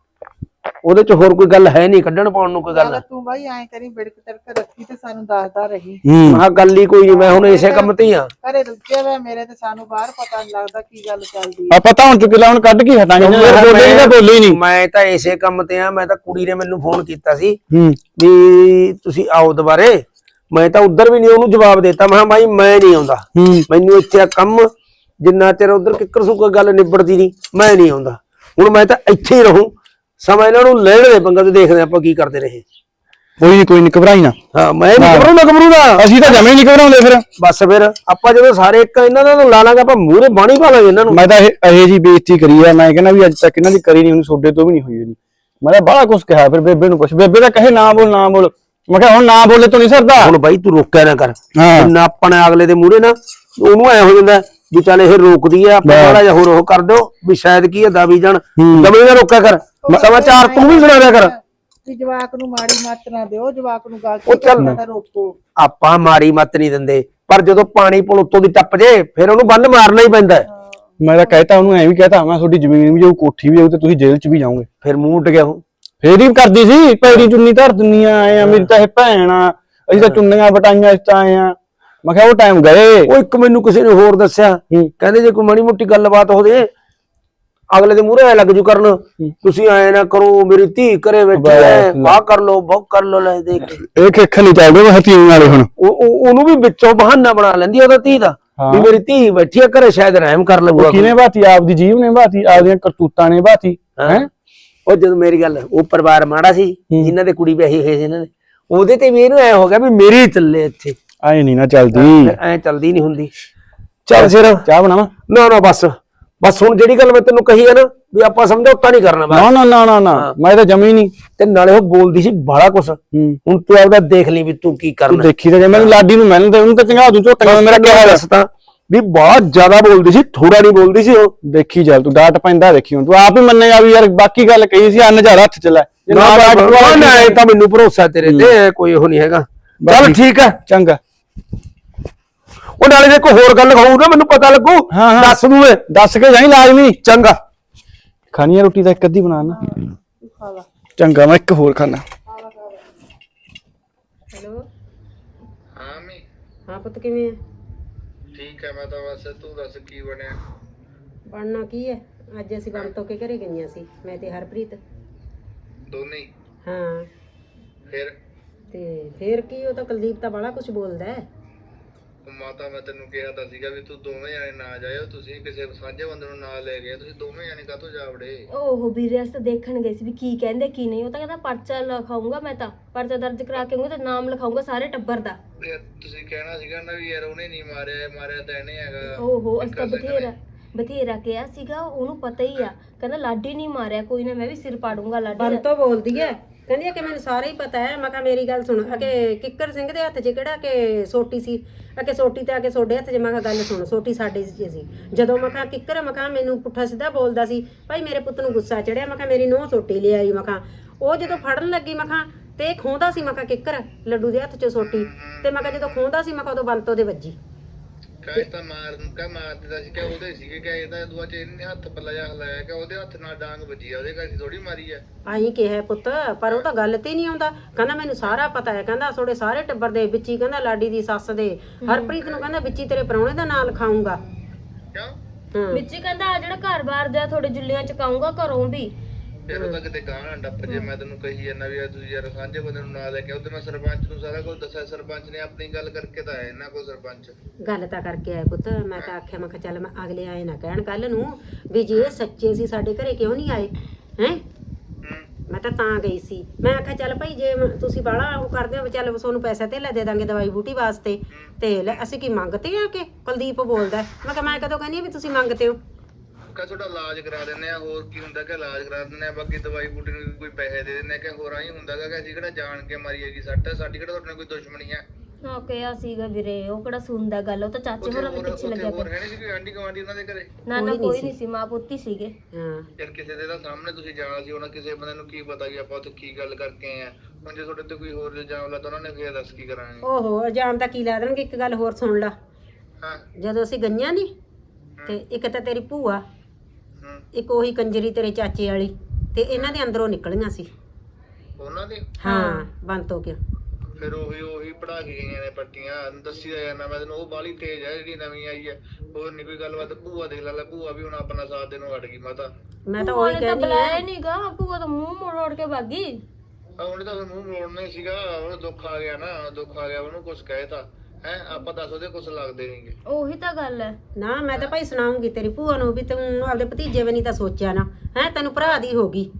A: ਉਹਦੇ ਚ ਹੋਰ ਕੋਈ ਗੱਲ ਹੈ ਨਹੀਂ, ਕੱਢਣ ਪਾਉਣ ਨੂੰ ਕੋਈ ਗੱਲ।
E: ਤੂੰ ਬਾਈ ਐ ਕਰੀ ਬਿੜਕ ਤੜਕ ਰੱਖੀ ਤੇ ਸਾਨੂੰ ਦੱਸਦਾ ਰਹੀ।
A: ਮਹਾ ਗੱਲ ਹੀ ਕੋਈ ਨਹੀਂ, ਮੈਂ ਹੁਣ ਇਸੇ ਕੰਮ ਤੇ ਹੀ ਆ।
E: ਘਰੇ ਰੁੱਝੇ ਵੇ ਮੇਰੇ ਤੇ ਸਾਨੂੰ ਬਾਹਰ ਪਤਾ ਨਹੀਂ ਲੱਗਦਾ ਕੀ ਗੱਲ ਚੱਲਦੀ
D: ਆ ਪਤਾ ਹੁਣ ਚੁੱਕਿਆ ਹੁਣ ਕੱਢ ਕੇ ਹਟਾਂਗੇ। ਬੋਲੇ ਨਾ ਬੋਲੇ ਨਹੀਂ।
A: ਮੈਂ ਤਾਂ ਇਸੇ ਕੰਮ ਤੇ ਆ। ਮੈਂ ਤਾਂ ਕੁੜੀ ਨੇ ਮੈਨੂੰ ਫੋਨ ਕੀਤਾ ਸੀ
D: ਹੂੰ।
A: ਵੀ ਤੁਸੀਂ ਆਓ ਦੁਬਾਰੇ। ਮੈਂ ਤਾਂ ਉਧਰ ਵੀ ਨਹੀਂ ਉਹਨੂੰ ਜਵਾਬ ਦਿੱਤਾ, ਮੈਂ ਭਾਈ ਮੈਂ ਨਹੀਂ ਆਉਂਦਾ, ਮੈਨੂੰ ਇੱਥੇ ਆ ਕੰਮ, ਜਿੰਨਾ ਚਿਰ ਉਧਰ ਕਿੱਕਰ ਸੁੱਕਾ ਗੱਲ ਨਿਬੜਦੀ ਨਹੀਂ ਮੈਂ ਨਹੀਂ ਆਉਂਦਾ। ਹੁਣ ਮੈਂ ਤਾਂ ਇੱਥੇ ਹੀ ਰਹੂੰ, ਸਮਾਂ ਇਹਨਾਂ ਨੂੰ ਲੈਣ ਦੇ ਪੰਗਾ ਤੇ ਦੇਖਦੇ ਆਪਾਂ ਕੀ ਕਰਦੇ ਰਹੇ।
D: ਕੋਈ ਕੋਈ ਨਹੀਂ ਘਬਰਾਈ ਨਾ।
A: ਹਾਂ ਮੈਂ ਨਹੀਂ ਘਬਰਾਉਂਦਾ ਘਬਰਾਉਂਦਾ
D: ਅਸੀਂ ਤਾਂ ਜਮੇ ਨਹੀਂ ਘਬਰਾਉਂਦੇ। ਫਿਰ
A: ਬਸ ਫਿਰ ਆਪਾਂ ਜਦੋਂ ਸਾਰੇ ਇੱਕ ਇਹਨਾਂ ਨੂੰ ਲਾ ਲਾਂਗੇ, ਆਪਾਂ ਮੂਹਰੇ ਬਾਣੀ ਪਾ ਲਾਂਗੇ ਇਹਨਾਂ ਨੂੰ।
D: ਮੈਂ ਤਾਂ ਇਹ ਇਹ ਜੀ ਬੇਇੱਜ਼ਤੀ ਕਰੀ ਆ। ਮੈਂ ਕਹਿੰਦਾ ਵੀ ਅੱਜ ਤੱਕ ਇਹਨਾਂ ਦੀ ਕਰੀ ਨਹੀਂ, ਹੁਣ ਸੋਡੇ ਤੋਂ ਵੀ ਨਹੀਂ ਹੋਈ। ਮੈਂ ਤਾਂ ਬੜਾ ਕੁਛ ਕਿਹਾ। ਫਿਰ ਬੇਬੇ ਨੂੰ ਪੁੱਛ, ਬੇਬੇ ਤਾਂ ਕਹੇ ਨਾ ਬੋਲ ਨਾ ਬੋਲ। ਮੈਂ ਕਿਹਾ ਹੁਣ ਨਾ ਬੋਲੇ ਤੋਂ ਨਹੀਂ ਸਰਦਾ।
A: ਹੁਣ ਬਾਈ ਤੂੰ ਰੋਕਿਆ ਨਾ ਕਰ, ਨਾ ਆਪਣੇ ਅਗਲੇ ਦੇ ਮੂਹਰੇ ਨਾ ਉਹਨੂੰ ਐ ਹੋ ਜਾਂਦਾ ਵੀ ਚੱਲ ਇਹ ਰੋਕਦੀ ਆ, ਆਪਾਂ ਥੋੜਾ ਜਿਹਾ ਹੋਰ ਉਹ ਕਰ ਦਿਓ ਵੀ ਸ਼ਾਇਦ ਕੀ ਹੈ ਦਬੀ ਜਾਣ। ਦਬੇ ਨਾ ਰੋਕਿਆ ਕਰ, ਸਮਾਚਾਰ ਤੂੰ ਵੀ ਸੁਣਾ ਦਿਆ ਕਰ।
E: ਵੀ ਜਵਾਕ ਨੂੰ ਮਾੜੀ ਮੱਤ ਨਾ ਦਿਓ, ਜਵਾਕ ਨੂੰ ਗੱਲ ਰੋਕੋ।
A: ਆਪਾਂ ਮਾੜੀ ਮੱਤ ਨਹੀਂ ਦਿੰਦੇ, ਪਰ ਜਦੋਂ ਪਾਣੀ ਪੁਲ ਉੱਤੋਂ ਦੀ ਟੱਪ ਜੇ ਫਿਰ ਉਹਨੂੰ ਬੰਨ ਮਾਰਨਾ ਹੀ ਪੈਂਦਾ।
D: ਮੈਂ ਤਾਂ ਕਹਿਤਾ ਉਹਨੂੰ, ਐ ਵੀ ਕਹਿਤਾ ਮੈਂ ਤੁਹਾਡੀ ਜ਼ਮੀਨ ਵੀ ਜਾਊ, ਕੋਠੀ ਵੀ ਜਾਊ, ਤੇ ਤੁਸੀਂ ਜੇਲ੍ਹ 'ਚ ਵੀ ਜਾਓਗੇ।
A: ਫਿਰ ਮੂੰਹ ਉੱਡ ਗਿਆ ਉਹ।
D: ਫੇਰ ਹੀ ਕਰਦੀ ਸੀ ਪੈੜੀ ਚੁੰਨੀ ਧਰ ਦਿੰਦੀਆਂ ਆਏ ਆ, ਮੇਰੀ ਤਾਂ ਇਹ ਭੈਣ ਆ, ਅਸੀਂ ਤਾਂ ਚੁੰਨੀਆਂ ਬਟਾਈਆਂ ਇਸ ਤਾਂ ਆਏ ਆ। ਮੈਂ ਕਿਹਾ ਉਹ ਟਾਈਮ ਗਏ। ਉਹ
A: ਇੱਕ ਮੈਨੂੰ ਕਿਸੇ ਨੇ ਹੋਰ ਦੱਸਿਆ, ਕਹਿੰਦੇ ਜੇ ਕੋਈ ਮਾੜੀ ਮੋਟੀ ਗੱਲਬਾਤ ਹੋ ਜੇ ਅਗਲੇ ਦੇ ਮੂਹਰੇ ਲੱਗ ਜੂ ਕਰਨ, ਤੁਸੀਂ ਆਏ ਨਾ ਕਰੋ, ਮੇਰੀ ਧੀ ਘਰੇ ਬੈਠੀ ਹੈ, ਵਾਹ ਕਰ ਲੋ ਬਹੁ ਕਰ ਲੋ। ਲੈ ਦੇਖ
D: ਇਹ ਖੇਖ ਨਹੀਂ ਚੱਲਦੇ ਹਥੀਨ ਵਾਲੇ। ਹੁਣ
A: ਉਹਨੂੰ ਵੀ ਵਿੱਚੋਂ ਬਹਾਨਾ ਬਣਾ ਲੈਂਦੀ ਉਹਦਾ ਧੀ ਦਾ, ਵੀ ਮੇਰੀ ਧੀ ਬੈਠੀ ਹੈ ਘਰੇ, ਸ਼ਾਇਦ ਰਹਿਮ ਕਰ ਲਊਗਾ।
D: ਕਿਹਨੇ ਬਾਤੀ? ਆਪਦੀ ਜੀਵ ਨੇ ਬਾਤੀ, ਆਪਦੀਆਂ ਕਰਤੂਤਾਂ ਨੇ ਬਾਤੀ ਹੈ।
A: ਉਹ ਜਦੋਂ ਮੇਰੀ ਗੱਲ ਉਹ ਪਰਿਵਾਰ ਮਾੜਾ ਸੀ ਜਿਨ੍ਹਾਂ ਦੇ ਕੁੜੀ ਵਿਆਹੀ ਹੋਈ ਸੀ ਇਹਨਾਂ ਨੇ, ਉਹਦੇ ਤੇ ਵੀ ਇਹਨੂੰ ਐ ਹੋ ਗਿਆ ਵੀ ਮੇਰੀ ਹੀ ਚੱਲੇ ਇੱਥੇ,
D: ਆਏ ਨਹੀਂ ਨਾ ਚੱਲਦੀ।
A: ਐ ਚੱਲਦੀ ਨਹੀਂ ਹੁੰਦੀ। ਚੱਲ ਫਿਰ
D: ਚਾਹ ਬਣਾਵਾ?
A: ਨਾ ਨਾ ਬਸ ਬਸ ਹੁਣ ਜਿਹੜੀ ਗੱਲ ਮੈਂ ਤੈਨੂੰ ਕਹੀ ਹੈ ਨਾ ਵੀ ਆਪਾਂ ਸਮਝੌਤਾ ਨਹੀਂ ਕਰਨਾ ਬਸ।
D: ਨਾ ਨਾ ਨਾ ਨਾ ਨਾ ਮੈਂ ਤਾਂ ਜਮੀ ਨਹੀਂ।
A: ਤੇ ਨਾਲੇ ਉਹ ਬੋਲਦੀ ਸੀ ਬਾਹਲਾ ਕੁਛ, ਹੁਣ ਤੂੰ ਆਪਦਾ ਦੇਖ ਲਈ ਵੀ ਤੂੰ ਕੀ
D: ਤੂੰ
A: ਕਰਨਾ।
D: ਦੇਖੀ ਤੇ ਜੇ ਮੈਨੂੰ ਲਾਡੀ ਨੂੰ ਮੈਨੂੰ ਤੇ ਉਹਨੂੰ ਤਾਂ ਚੰਗਾ ਦੂ ਝੋਟੀਆਂ ਮੇਰਾ ਕਿਹਾ
A: ਦੱਸ ਤਾਂ ਵੀ ਬਹੁਤ ਜ਼ਿਆਦਾ ਬੋਲਦੀ ਸੀ, ਥੋੜਾ ਨਹੀਂ ਬੋਲਦੀ ਸੀ ਉਹ।
D: ਦੇਖੀ ਚੱਲ ਤੂੰ ਡਾਟ ਪੈਂਦਾ ਦੇਖੀ ਹੁਣ ਤੂੰ ਆਪ ਹੀ ਮੰਨੇਗਾ ਵੀ ਯਾਰ ਬਾਕੀ ਗੱਲ ਕਹੀ ਸੀ ਅੰਨ ਹਜ਼ਾਰ ਹੱਥ ਚ ਲੈ।
A: ਨਾ ਨਾ ਇਹ ਤਾਂ ਮੈਨੂੰ ਭਰੋਸਾ ਤੇਰੇ ਤੇ, ਕੋਈ ਉਹ ਨਹੀਂ ਹੈਗਾ। ਚੱਲ ਠੀਕ ਹੈ
D: ਚੰਗਾ।
A: ਉਹ ਨਾਲੇ ਜੇ ਕੋਈ ਹੋਰ ਗੱਲ ਹੋਊ ਨਾ ਮੈਨੂੰ ਪਤਾ ਲੱਗੂ, ਦੱਸ ਦੂੰ ਮੈਂ।
D: ਦੱਸ ਕੇ ਜਾਈ ਲਾਜ਼ਮੀ।
A: ਚੰਗਾ।
D: ਖਾਣੀ ਆ ਰੋਟੀ ਤਾਂ ਇੱਕ ਅੱਧੀ ਬਣਾ ਨਾ। ਚੰਗਾ ਮੈਂ ਇੱਕ ਹੋਰ ਖਾਣਾ।
B: ਹੈਲੋ
F: ਹਾਂ ਮੈਂ
B: ਹਾਂ ਪੁੱਤ ਕਿਵੇਂ ਹੈ?
F: ਠੀਕ ਹੈ। ਮੈਂ ਤਾਂ ਬਸ ਤੂੰ ਦੱਸ ਕੀ ਬਣਿਆ?
B: ਬਣਨਾ ਕੀ ਹੈ, ਅੱਜ ਅਸੀਂ ਬੰਤੋਂ ਕੇ ਘਰੇ ਗਈਆਂ ਸੀ ਮੈਂ ਤੇ ਹਰਪ੍ਰੀਤ
F: ਦੋਨੇ ਹੀ?
B: ਹਾਂ।
F: ਫਿਰ
B: ਤੇ ਫੇਰ ਕੀ, ਉਹ ਤਾਂ ਕੁਲਦੀਪ ਤਾਂ ਬੜਾ ਕੁਝ ਬੋਲਦਾ ਹੈ।
F: ਉਹ ਮਾਤਾ ਮੈਂ ਤੈਨੂੰ ਕਿਹਾ ਤਾਂ ਸੀਗਾ ਵੀ ਤੂੰ ਦੋਵੇਂ ਜਾਣੇ ਨਾ ਜਾਇਓ, ਤੁਸੀਂ ਕਿਸੇ ਸਾਂਝੇ ਬੰਦੇ ਨੂੰ ਨਾਲ ਲੈ ਗਏ, ਤੁਸੀਂ ਦੋਵੇਂ ਜਾਣੇ ਕਾਹਤੋਂ ਜਾ ਵੜੇ?
C: ਉਹ ਵੀਰੇ ਅਸ ਤਾਂ ਦੇਖਣ ਗਏ ਸੀ ਵੀ ਕੀ ਕਹਿੰਦੇ ਕੀ ਨਹੀਂ। ਉਹ ਤਾਂ ਕਹਿੰਦਾ ਪਰਚਾ ਲਿਖਾਉਂਗਾ, ਮੈਂ ਤਾਂ ਪਰਚਾ ਦਰਜ ਕਰਾ ਕੇ ਆਉਂਗਾ ਤੇ ਨਾਮ ਲਿਖਾਉਂਗਾ ਸਾਰੇ ਟੱਬਰ ਦਾ।
F: ਯਾਰ ਤੁਸੀਂ ਕਹਿਣਾ ਸੀਗਾ ਨਾ ਵੀ ਯਾਰ ਉਹਨੇ ਨਹੀਂ ਮਾਰਿਆ, ਮਾਰਿਆ ਤਾਂ ਇਹਨੇ ਹੈਗਾ।
C: ਓਹੋ ਅਸ ਤਾਂ ਬਥੇਰਾ ਬਥੇਰਾ ਕਿਹਾ ਸੀਗਾ, ਉਹਨੂੰ ਪਤਾ ਹੀ ਆ। ਕਹਿੰਦਾ ਲਾਡੀ ਨਹੀਂ ਮਾਰਿਆ, ਕੋਈ ਨਾ ਮੈਂ ਵੀ ਸਿਰ ਪਾੜੂੰਗਾ ਲਾਡੀ ਦਾ।
B: ਬੰਤੋਂ ਬੋਲਦੀ ਹੈ, ਕਹਿੰਦੀ ਆ ਕਿ ਮੈਨੂੰ ਸਾਰਾ ਹੀ ਪਤਾ ਹੈ। ਮੈਂ ਕਿਹਾ ਮੇਰੀ ਗੱਲ ਸੁਣ, ਆ ਕਿ ਕਿੱਕਰ ਸਿੰਘ ਦੇ ਹੱਥ 'ਚ ਕਿਹੜਾ ਕਿ ਸੋਟੀ ਸੀ, ਆ ਕਿ ਸੋਟੀ ਤੇ ਆ ਕੇ ਸੋਡੇ ਹੱਥ 'ਚ। ਮੈਂ ਕਿਹਾ ਗੱਲ ਸੁਣ, ਸੋਟੀ ਸਾਡੇ 'ਚ ਸੀ। ਜਦੋਂ ਮੈਂ ਕਿਹਾ ਕਿੱਕਰ, ਮੈਂ ਕਿਹਾ ਮੈਨੂੰ ਪੁੱਠਾ ਸਿੱਧਾ ਬੋਲਦਾ ਸੀ, ਭਾਈ ਮੇਰੇ ਪੁੱਤ ਨੂੰ ਗੁੱਸਾ ਚੜਿਆ। ਮੈਂ ਕਿਹਾ ਮੇਰੀ ਨੂੰਹ ਸੋਟੀ ਲੈ ਆਈ। ਮੈਂ ਕਿਹਾ ਉਹ ਜਦੋਂ ਫੜਨ ਲੱਗੀ, ਮੈਂ ਕਿਹਾ ਤੇ ਖੋਂਦਾ ਸੀ, ਮੈਂ ਕਿਹਾ ਕਿੱਕਰ ਲੱਡੂ ਦੇ ਹੱਥ 'ਚ ਸੋਟੀ। ਤੇ ਮੈਂ ਕਿਹਾ ਜਦੋਂ ਖੋਂਦਾ ਸੀ, ਮੈਂ ਕਿਹਾ ਉਦੋਂ ਬੰਤੋਂ ਦੇ ਵੱਜੀ।
F: ਕਾਹ ਤਾਂ ਮਾਰ ਕਾ ਮਾਰ ਦਿੱਤਾ ਸੀ ਕਿ ਉਹਦੇ ਸੀਗੇ ਕਿ ਇਹਦਾ ਦੁਆ ਚ ਇਹਨੇ ਹੱਥ ਪੱਲਾ ਜਾ ਹਲਾਇਆ ਕਿ ਉਹਦੇ ਹੱਥ ਨਾਲ ਡਾਂਗ ਵੱਜੀ ਆ, ਉਹਦੇ ਘਰ ਥੋੜੀ ਮਾਰੀ ਆ।
B: ਆਈ ਕਿਹਾ ਪੁੱਤ, ਪਰ ਉਹ ਤਾਂ ਗੱਲ ਤੇ ਨਹੀਂ ਆਉਂਦਾ। ਕਹਿੰਦਾ ਮੈਨੂੰ ਸਾਰਾ ਪਤਾ ਹੈ, ਕਹਿੰਦਾ ਤੁਹਾਡੇ ਸਾਰੇ ਟੱਬਰ ਦੇ ਵਿੱਚ ਹੀ, ਕਹਿੰਦਾ ਲਾਡੀ ਦੀ ਸੱਸ ਦੇ ਹਰਪ੍ਰੀਤ ਨੂੰ ਕਹਿੰਦਾ ਵਿੱਚ ਹੀ ਤੇਰੇ ਪ੍ਰਾਹੁਣੇ ਦਾ ਨਾਂ ਲਿਖਾਉਂਗਾ।
F: ਕਿਉਂ?
B: ਹਾਂ
C: ਵਿੱਚ ਹੀ ਕਹਿੰਦਾ ਆ ਜਿਹੜਾ ਘਰ ਬਾਰ ਜਾ ਤੁਹਾਡੇ ਜੁੱਲੀਆਂ ਚਕਾਉਂਗਾ ਘਰੋਂ ਵੀ।
F: ਫਿਰ ਉਹ ਤਾਂ ਕਿਤੇ ਗਾਣਾ ਡੱਪ ਜੇ। ਮੈਂ ਤੈਨੂੰ ਕਹੀ ਜਾਂਦਾ ਵੀ ਤੁਸੀਂ ਯਾਰ ਸਾਂਝੇ ਬੰਦੇ ਨੂੰ ਨਾਲ ਲੈ ਕੇ, ਉਹਦੇ ਮੈਂ ਸਰਪੰਚ ਨੂੰ ਸਾਰਾ ਕੁਝ ਦੱਸਿਆ। ਸਰਪੰਚ ਨੇ ਆਪਣੀ ਗੱਲ ਕਰਕੇ ਤਾਂ ਆਇਆ ਇਹਨਾਂ ਕੋਲ। ਸਰਪੰਚ
B: ਗੱਲ ਤਾਂ ਕਰਕੇ ਆਏ ਪੁੱਤ। ਮੈਂ ਤਾਂ ਆਖਿਆ, ਮੈਂ ਕਿਹਾ ਚੱਲ ਮੈਂ ਅਗਲੇ ਆਏ ਨਾ ਕਹਿਣ ਕੱਲ ਨੂੰ ਵੀ ਜੇ ਇਹ ਸੱਚੇ ਸੀ ਸਾਡੇ ਘਰੇ ਕਿਉਂ ਨਹੀਂ ਆਏ ਹੈ। ਮੈਂ ਤਾਂ ਤਾਂ ਗਈ ਸੀ। ਮੈਂ ਆਖਿਆ ਚੱਲ ਭਾਈ ਜੇ ਮ- ਤੁਸੀਂ ਬਾਹਲਾ ਉਹ ਕਰਦੇ ਹੋ, ਚੱਲ ਤੁਹਾਨੂੰ ਪੈਸਾ ਧੇਲਾ ਦੇ ਦਾਂਗੇ ਦਵਾਈ ਬੂਟੀ ਵਾਸਤੇ। ਤੇ ਲੈ ਅਸੀਂ ਕੀ ਮੰਗਤੇ ਆ ਕਿ ਕੁਲਦੀਪ ਬੋਲਦਾ। ਮੈਂ ਕਿਹਾ ਮੈਂ ਕਦੋਂ ਕਹਿੰਦੀ ਆ ਵੀ ਤੁਸੀਂ ਮੰਗਤੇ ਹੋ।
F: ਕਾ ਤੁਹਾਡਾ ਇਲਾਜ ਕਰਾ ਦਿੰਦੇ ਆ, ਹੋਰ ਕੀ ਹੁੰਦਾ ਕਿ ਇਲਾਜ ਕਰਾ ਦਿੰਦੇ ਆ, ਬਾਕੀ ਦਵਾਈ ਬੂਟੀ ਨੂੰ ਵੀ ਕੋਈ ਪੈਸੇ ਦੇ ਦਿੰਦੇ ਆ ਕਿ ਹੋਰ ਆਈ ਹੁੰਦਾ ਗਾ ਕਿ ਅਸੀਂ ਕਿਹੜਾ ਜਾਣ ਕੇ ਮਾਰੀ ਹੈਗੀ ਸੱਟ। ਸਾਡੀ ਕਿਹੜਾ ਤੁਹਾਡੇ ਨਾਲ ਕੋਈ ਦੁਸ਼ਮਣੀ ਆ।
C: ਹਾਂ ਕਿਹਾ ਸੀਗਾ ਵੀਰੇ, ਉਹ ਕਿਹੜਾ ਸੁਣਦਾ ਗੱਲ। ਉਹ ਤਾਂ ਚਾਚੇ ਹੋਰਾਂ ਦੇ ਪਿੱਛੇ ਲੱਗਿਆ
F: ਹੋਰ
C: ਪਿਆ।
F: ਹੈ ਨਹੀਂ ਸੀ ਕੋਈ ਆਂਢੀ ਗੁਆਂਢੀ ਉਹਨਾਂ ਦੇ ਘਰੇ?
C: ਨਾ ਨਾ ਕੋਈ ਨਹੀਂ ਸੀ, ਮਾਂ ਪੁੱਤ ਹੀ ਸੀਗੇ।
B: ਹਾਂ
F: ਯਾਰ ਕਿਸੇ ਦੇ ਤਾਂ ਸਾਹਮਣੇ ਤੁਸੀਂ ਜਾਣਾ ਸੀ, ਉਹਨਾਂ ਕਿਸੇ ਬੰਦੇ ਨੂੰ ਕੀ ਪਤਾ ਕਿ ਆਪਾਂ ਉੱਥੇ ਕੀ ਗੱਲ ਕਰਕੇ ਆਏ ਆ। ਹੁਣ ਜੇ ਤੁਹਾਡੇ ਤੇ ਕੋਈ ਹੋਰ ਇਲਜ਼ਾਮ ਲਾ ਤਾਂ ਉਹਨਾਂ ਨੇ ਫੇਰ ਦੱਸ ਕੀ ਕਰਾਂਗੇ।
B: ਓਹੋ ਇਲਜ਼ਾਮ ਤਾਂ ਕੀ ਲਾ ਦੇਣਗੇ। ਇੱਕ ਗੱਲ ਹੋਰ ਸੁਣ ਲਾ,
F: ਹਾਂ
B: ਜਦੋਂ ਅਸੀਂ ਗਈਆਂ ਨਹੀਂ ਤੇ ਇੱਕ ਤਾਂ ਤੇਰੀ ਭੂਆ,
F: ਹੂੰ
B: ਇੱਕ ਉਹੀ ਕੰਜਰੀ ਤੇਰੇ ਚਾਚੇ ਵਾਲੀ, ਤੇ ਇਹਨਾਂ ਦੇ ਅੰਦਰੋਂ ਨਿਕਲੀਆਂ ਸੀ।
F: ਉਹਨਾਂ ਦੇ
B: ਹਾਂ ਬੰਤੋ ਕਿਉਂ
F: ਫਿਰ ਉਹੀ ਉਹੀ ਪੜਾ ਕੇ ਗਈਆਂ ਨੇ ਪੱਟੀਆਂ। ਦੱਸੀ ਦਾ ਯਾਰ ਨਾ ਮੈਂ ਤੈਨੂੰ, ਉਹ ਬਾਹਲੀ ਤੇਜ਼ ਹੈ ਜਿਹੜੀ ਨਵੀਂ ਆਈ ਹੈ। ਹੋਰ ਨਹੀਂ ਕੋਈ ਗੱਲਬਾਤ। ਭੂਆ ਦੇਖ ਲੈ, ਭੂਆ ਵੀ ਹੁਣ ਆਪਣਾ ਸਾਥ ਦੇਣੋਂ ਹਟ ਗਈ। ਮਾਤਾ
B: ਮੈਂ ਤਾਂ
C: ਭੂਆ
B: ਉਹੀ
C: ਨੇ ਤਾਂ
B: ਕਹਿੰਦੀ
C: ਬੁਲਾਇਆ
B: ਆ।
C: ਹੀ ਨਹੀਂਗਾ, ਭੂਆ ਤਾਂ ਮੂੰਹ ਮੋੜ ਮੋੜ ਕੇ ਭਾਗੀ।
F: ਆ ਉਹਨੇ ਤਾਂ ਫਿਰ ਮੂੰਹ ਮੋੜਨਾ ਹੀ ਸੀਗਾ। ਉਹਨੂੰ ਦੁੱਖ ਆ ਗਿਆ ਨਾ, ਦੁੱਖ ਆ ਗਿਆ, ਉਹਨੂੰ ਕੁਝ ਕਹੇ ਤਾਂ ਹੈ। ਆਪਾਂ ਦੱਸ ਉਹਦੇ ਕੁਝ ਲੱਗਦੇ ਨਹੀਂਗੇ।
C: ਉਹੀ ਤਾਂ ਗੱਲ ਹੈ
B: ਨਾ ਮੈਂ ਤਾਂ ਭਾਈ ਸੁਣਾਉਂਗੀ ਤੇਰੀ ਭੂਆ ਨੂੰ ਵੀ ਤੂੰ ਆਪਦੇ ਭਤੀਜੇ ਵੀ ਨਹੀਂ ਤਾਂ ਸੋਚਿਆ ਨਾ ਹੈ, ਤੈਨੂੰ ਭਰਾ ਦੀ ਹੋ ਗਈ।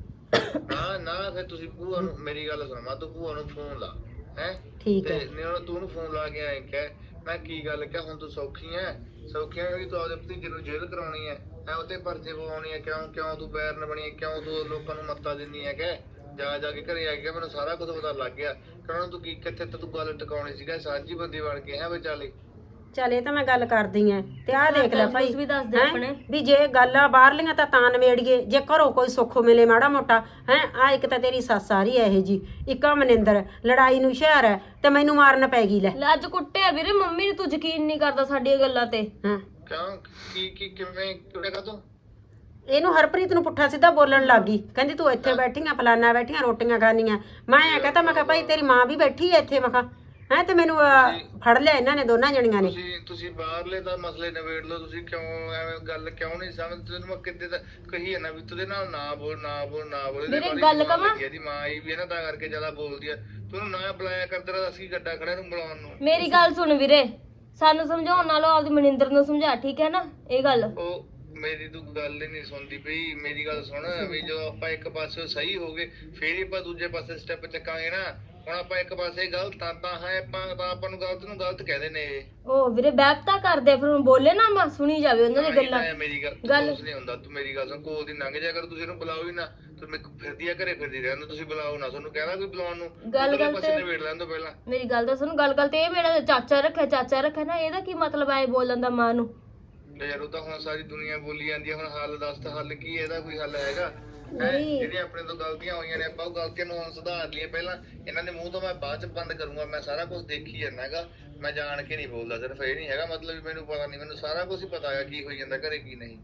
F: ਨਾ ਨਾ ਫਿਰ ਤੁਸੀਂ ਭੂਆ ਨੂੰ, ਮੇਰੀ ਗੱਲ ਸੁਣ, ਮੈਂ ਤੂੰ ਭੂਆ ਨੂੰ ਫੋਨ ਲਾ ਹੈ।
B: ਠੀਕ ਹੈ।
F: ਤੇ ਨਹੀਂ ਉਹਨੂੰ, ਤੂੰ ਉਹਨੂੰ ਫੋਨ ਲਾ ਕੇ ਆਏ ਕਹਿ ਮੈਂ ਕੀ ਗੱਲ ਕਿਹਾ, ਹੁਣ ਤੂੰ ਸੌਖੀ ਐ? ਸੌਖੀ ਐ ਕਿ ਤੂੰ ਆਪਦੇ ਭਤੀਜੇ ਨੂੰ ਜੇਲ੍ਹ ਕਰਾਉਣੀ ਐ, ਐ ਉੱਤੇ ਪਰਚੇ ਪਵਾਉਣੀ ਐ? ਕਿਉਂ ਕਿਉਂ ਤੂੰ ਬੈਰਨ ਬਣੀ ਐ? ਕਿਉਂ ਤੂੰ ਲੋਕਾਂ ਨੂੰ ਮੱਤਾ ਦਿੰਦੀ ਐ? ਕਹਿ ਜਾ ਜਾ ਕੇ ਘਰੇ ਆ ਗਿਆ, ਮੈਨੂੰ ਸਾਰਾ ਕੁਝ ਪਤਾ ਲੱਗ ਗਿਆ। ਕਿਉਂ ਤੂੰ ਕੀ ਕਿੱਥੇ ਤੂੰ ਗੱਲ ਟਿਕਾਉਣੀ ਸੀਗਾ? ਸਾਂਝੀ ਬੰਦੀ ਬਣ ਕੇ ਹੈ ਵਿਚਾਲੇ।
B: ਚੱਲ ਇਹ ਤਾਂ ਮੈਂ ਗੱਲ ਕਰਦੀ ਐ। ਤੇ ਆਹ ਦੇਖ ਲੈ ਭਾਈ
C: ਵੀ ਦੱਸ ਦੇ
B: ਹੈਂ,
C: ਆਪਣੇ।
B: ਵੀ ਜੇ ਗੱਲਾਂ ਬਾਹਰਲੀਆਂ ਤਾਂ ਤਾਂ ਨਵੇੜੀਏ, ਜੇ ਘਰੋਂ ਕੋਈ ਸੁੱਖ ਮਿਲੇ ਮਾੜਾ ਮੋਟਾ ਹੈ। ਆ ਇੱਕ ਤਾਂ ਤੇਰੀ ਸੱਸ ਆ ਰਹੀ ਐ ਇਹ ਜੀ, ਇੱਕ ਆ ਮਨਿੰਦਰ ਲੜਾਈ ਨੂੰ ਹੁਸ਼ਿਆਰ ਹੈ ਤੇ ਮੈਨੂੰ ਮਾਰਨ ਪੈ ਗਈ ਲੈ।
C: ਲੈ ਅੱਜ ਕੁੱਟਿਆ ਵੀਰੇ ਮੰਮੀ ਨੇ, ਤੂੰ ਯਕੀਨ ਨਹੀਂ ਕਰਦਾ ਸਾਡੀਆਂ ਗੱਲਾਂ ਤੇ।
B: ਹਾਂ
F: ਕਿਉਂ ਕੀ ਕੀ ਕਿਵੇਂ ਕਿਹੜੇ ਕਾ ਤੂੰ?
B: ਇਹਨੂੰ ਹਰਪ੍ਰੀਤ ਨੂੰ ਪੁੱਠਾ ਸਿੱਧਾ ਬੋਲਣ ਲੱਗ ਗਈ। ਕਹਿੰਦੀ ਤੂੰ ਇੱਥੇ ਬੈਠੀਆਂ ਫਲਾਨਾ ਬੈਠੀਆਂ ਰੋਟੀਆਂ ਖਾਣੀਆਂ। ਮੈਂ ਐ ਕਹਤਾ, ਮੈਂ ਕਿਹਾ ਭਾਈ ਤੇਰੀ ਮਾਂ ਵੀ ਬੈਠੀ ਐ ਇੱਥੇ। ਮੈਂ ਕਿਹਾ ਹੈ ਤੇ ਮੈਨੂੰ ਅਹ, ਫੜ ਲਿਆ ਇਹਨਾਂ ਨੇ ਦੋਨਾਂ ਜਣੀਆਂ ਨੇ।
F: ਤੁਸੀਂ ਤੁਸੀਂ ਬਾਹਰਲੇ ਤਾਂ ਮਸਲੇ ਨਿਬੇੜ ਲਓ। ਤੁਸੀਂ ਕਿਉਂ ਐਵੇਂ ਗੱਲ ਕਿਉਂ ਨਹੀਂ ਸਮਝ? ਤੈਨੂੰ ਮੈਂ ਕਿੱਦੇ ਤਾਂ ਕਹੀ ਹੈ ਨਾ ਵੀ ਤੂੰ ਨਾਲ ਨਾ ਬੋਲ ਨਾ ਬੋਲ ਨਾ ਬੋਲ।
C: ਵੀਰੇ ਗੱਲ ਕਵਾਂ,
F: ਇਹਦੀ ਮਾਂ ਆਈ ਵੀ ਹੈ ਨਾ ਤਾਂ ਕਰਕੇ ਜ਼ਿਆਦਾ ਬੋਲਦੀ ਆ। ਤੂੰ ਨਾ ਬੁਲਾਇਆ ਕਰ, ਤੇਰਾ ਅਸੀਂ ਗੱਡਾ ਖੜਾ ਨੂੰ ਬੁਲਾਉਣ ਨੂੰ।
C: ਮੇਰੀ ਗੱਲ ਸੁਣ ਵੀਰੇ, ਸਾਨੂੰ ਸਮਝਾਉਣ ਨਾਲੋਂ ਆਪਦੀ ਮਨਿੰਦਰ ਨੂੰ ਸਮਝਾ, ਠੀਕ ਹੈ ਨਾ ਇਹ ਗੱਲ।
F: ਉਹ ਮੇਰੀ ਤੂੰ ਗੱਲ ਹੀ ਨਹੀਂ ਸੁਣਦੀ ਪਈ। ਮੇਰੀ ਗੱਲ ਸੁਣ ਵੀ ਜੋ ਆਪਾਂ ਇੱਕ ਪਾਸੇ ਸਹੀ ਹੋ ਗਏ ਫੇਰ ਹੀ ਆਪਾਂ ਦੂਜੇ ਪਾਸੇ ਸਟੈਪ ਚੱਕਾਂਗੇ ਨਾ। ਹੁਣ ਆਪਾਂ ਇੱਕ ਪਾਸੇ ਗਲਤ ਆ ਤਾਂ ਹੈ ਆਪਾਂ ਤਾਂ ਆਪਾਂ ਨੂੰ ਗਲਤ ਨੂੰ ਗਲਤ ਕਹਿੰਦੇ ਨੇ ਇਹ।
C: ਉਹ ਵੀਰੇ ਬੈਕ ਤਾਂ ਕਰਦੇ ਆ, ਫਿਰ ਹੁਣ ਬੋਲੇ ਨਾ ਮੈਂ ਸੁਣੀ ਜਾਵੇ ਉਹਨਾਂ ਦੀ ਗੱਲਾਂ।
F: ਤਾਂ ਮੇਰੀ ਗੱਲ
C: ਗੱਲ-
F: ਕੁਛ ਨਹੀਂ ਹੁੰਦਾ। ਤੂੰ ਮੇਰੀ ਗੱਲ ਸੁਣ, ਕੋਲ ਦੀ ਲੰਘ ਜਾ ਕਰ, ਤੁਸੀਂ ਇਹਨੂੰ ਬੁਲਾਓ ਹੀ ਨਾ। ਤੂੰ ਮੈਂ ਫਿਰਦੀ ਆ ਘਰੇ ਫਿਰਦੀ ਰਹਿੰਦੇ, ਤੁਸੀਂ ਬੁਲਾਓ ਨਾ। ਤੁਹਾਨੂੰ ਕਹਿਣਾ ਕੋਈ ਬੁਲਾਉਣ ਨੂੰ,
C: ਗੱਲ- ਗੱਲ
F: ਪਾਸੇ
C: ਤੇ-
F: ਨਿਬੇੜ ਲੈਣ ਤੋਂ ਪਹਿਲਾਂ।
C: ਮੇਰੀ ਗੱਲ ਤਾਂ ਸੁਣੋ, ਗੱਲ ਗੱਲ ਤੇ ਇਹ ਮੇਰਾ ਚਾਚਾ ਰੱਖਿਆ ਚਾਚਾ ਰੱਖਿਆ ਨਾ, ਇਹਦਾ ਕੀ ਮਤਲਬ ਐ ਬੋਲਣ ਦਾ ਮਾਂ ਨੂੰ?
F: ਤੇ ਯਾਰ ਉਹ ਤਾਂ ਹੁਣ ਸਾਰੀ ਦੁਨੀਆ ਬੋਲੀ ਜਾਂਦੀ ਹੈ। ਹੁਣ ਹੱਲ ਦੱਸ ਤਾਂ ਹੱਲ ਕੀ ਹੈ? ਇਹਦਾ ਕੋਈ ਹੱਲ ਹੈਗਾ? ਹੈਂ?
B: ਨਹੀਂ।
F: ਜਿਹੜੀਆਂ ਆਪਣੇ ਤੋਂ ਗਲਤੀਆਂ ਹੋਈਆਂ ਨੇ ਆਪਾਂ ਉਹ ਗਲਤੀਆਂ ਨੂੰ ਹੁਣ ਸੁਧਾਰ ਲਈਏ ਪਹਿਲਾਂ। ਇਹਨਾਂ ਦੇ ਮੂੰਹ ਤੋਂ ਮੈਂ ਬਾਅਦ ਚ ਬੰਦ ਕਰੂੰਗਾ। ਮੈਂ ਸਾਰਾ ਕੁਝ ਦੇਖੀ ਜਾਂਦਾ ਹੈਗਾ, ਮੈਂ ਜਾਣ ਕੇ ਨਹੀਂ ਬੋਲਦਾ। ਸਿਰਫ ਇਹ ਨਹੀਂ ਹੈਗਾ ਮਤਲਬ ਵੀ ਮੈਨੂੰ ਪਤਾ ਨਹੀਂ, ਮੈਨੂੰ ਸਾਰਾ ਕੁਝ ਹੀ ਪਤਾ ਹੈਗਾ ਕੀ ਹੋਈ ਜਾਂਦਾ ਘਰੇ ਕੀ ਨਹੀਂ।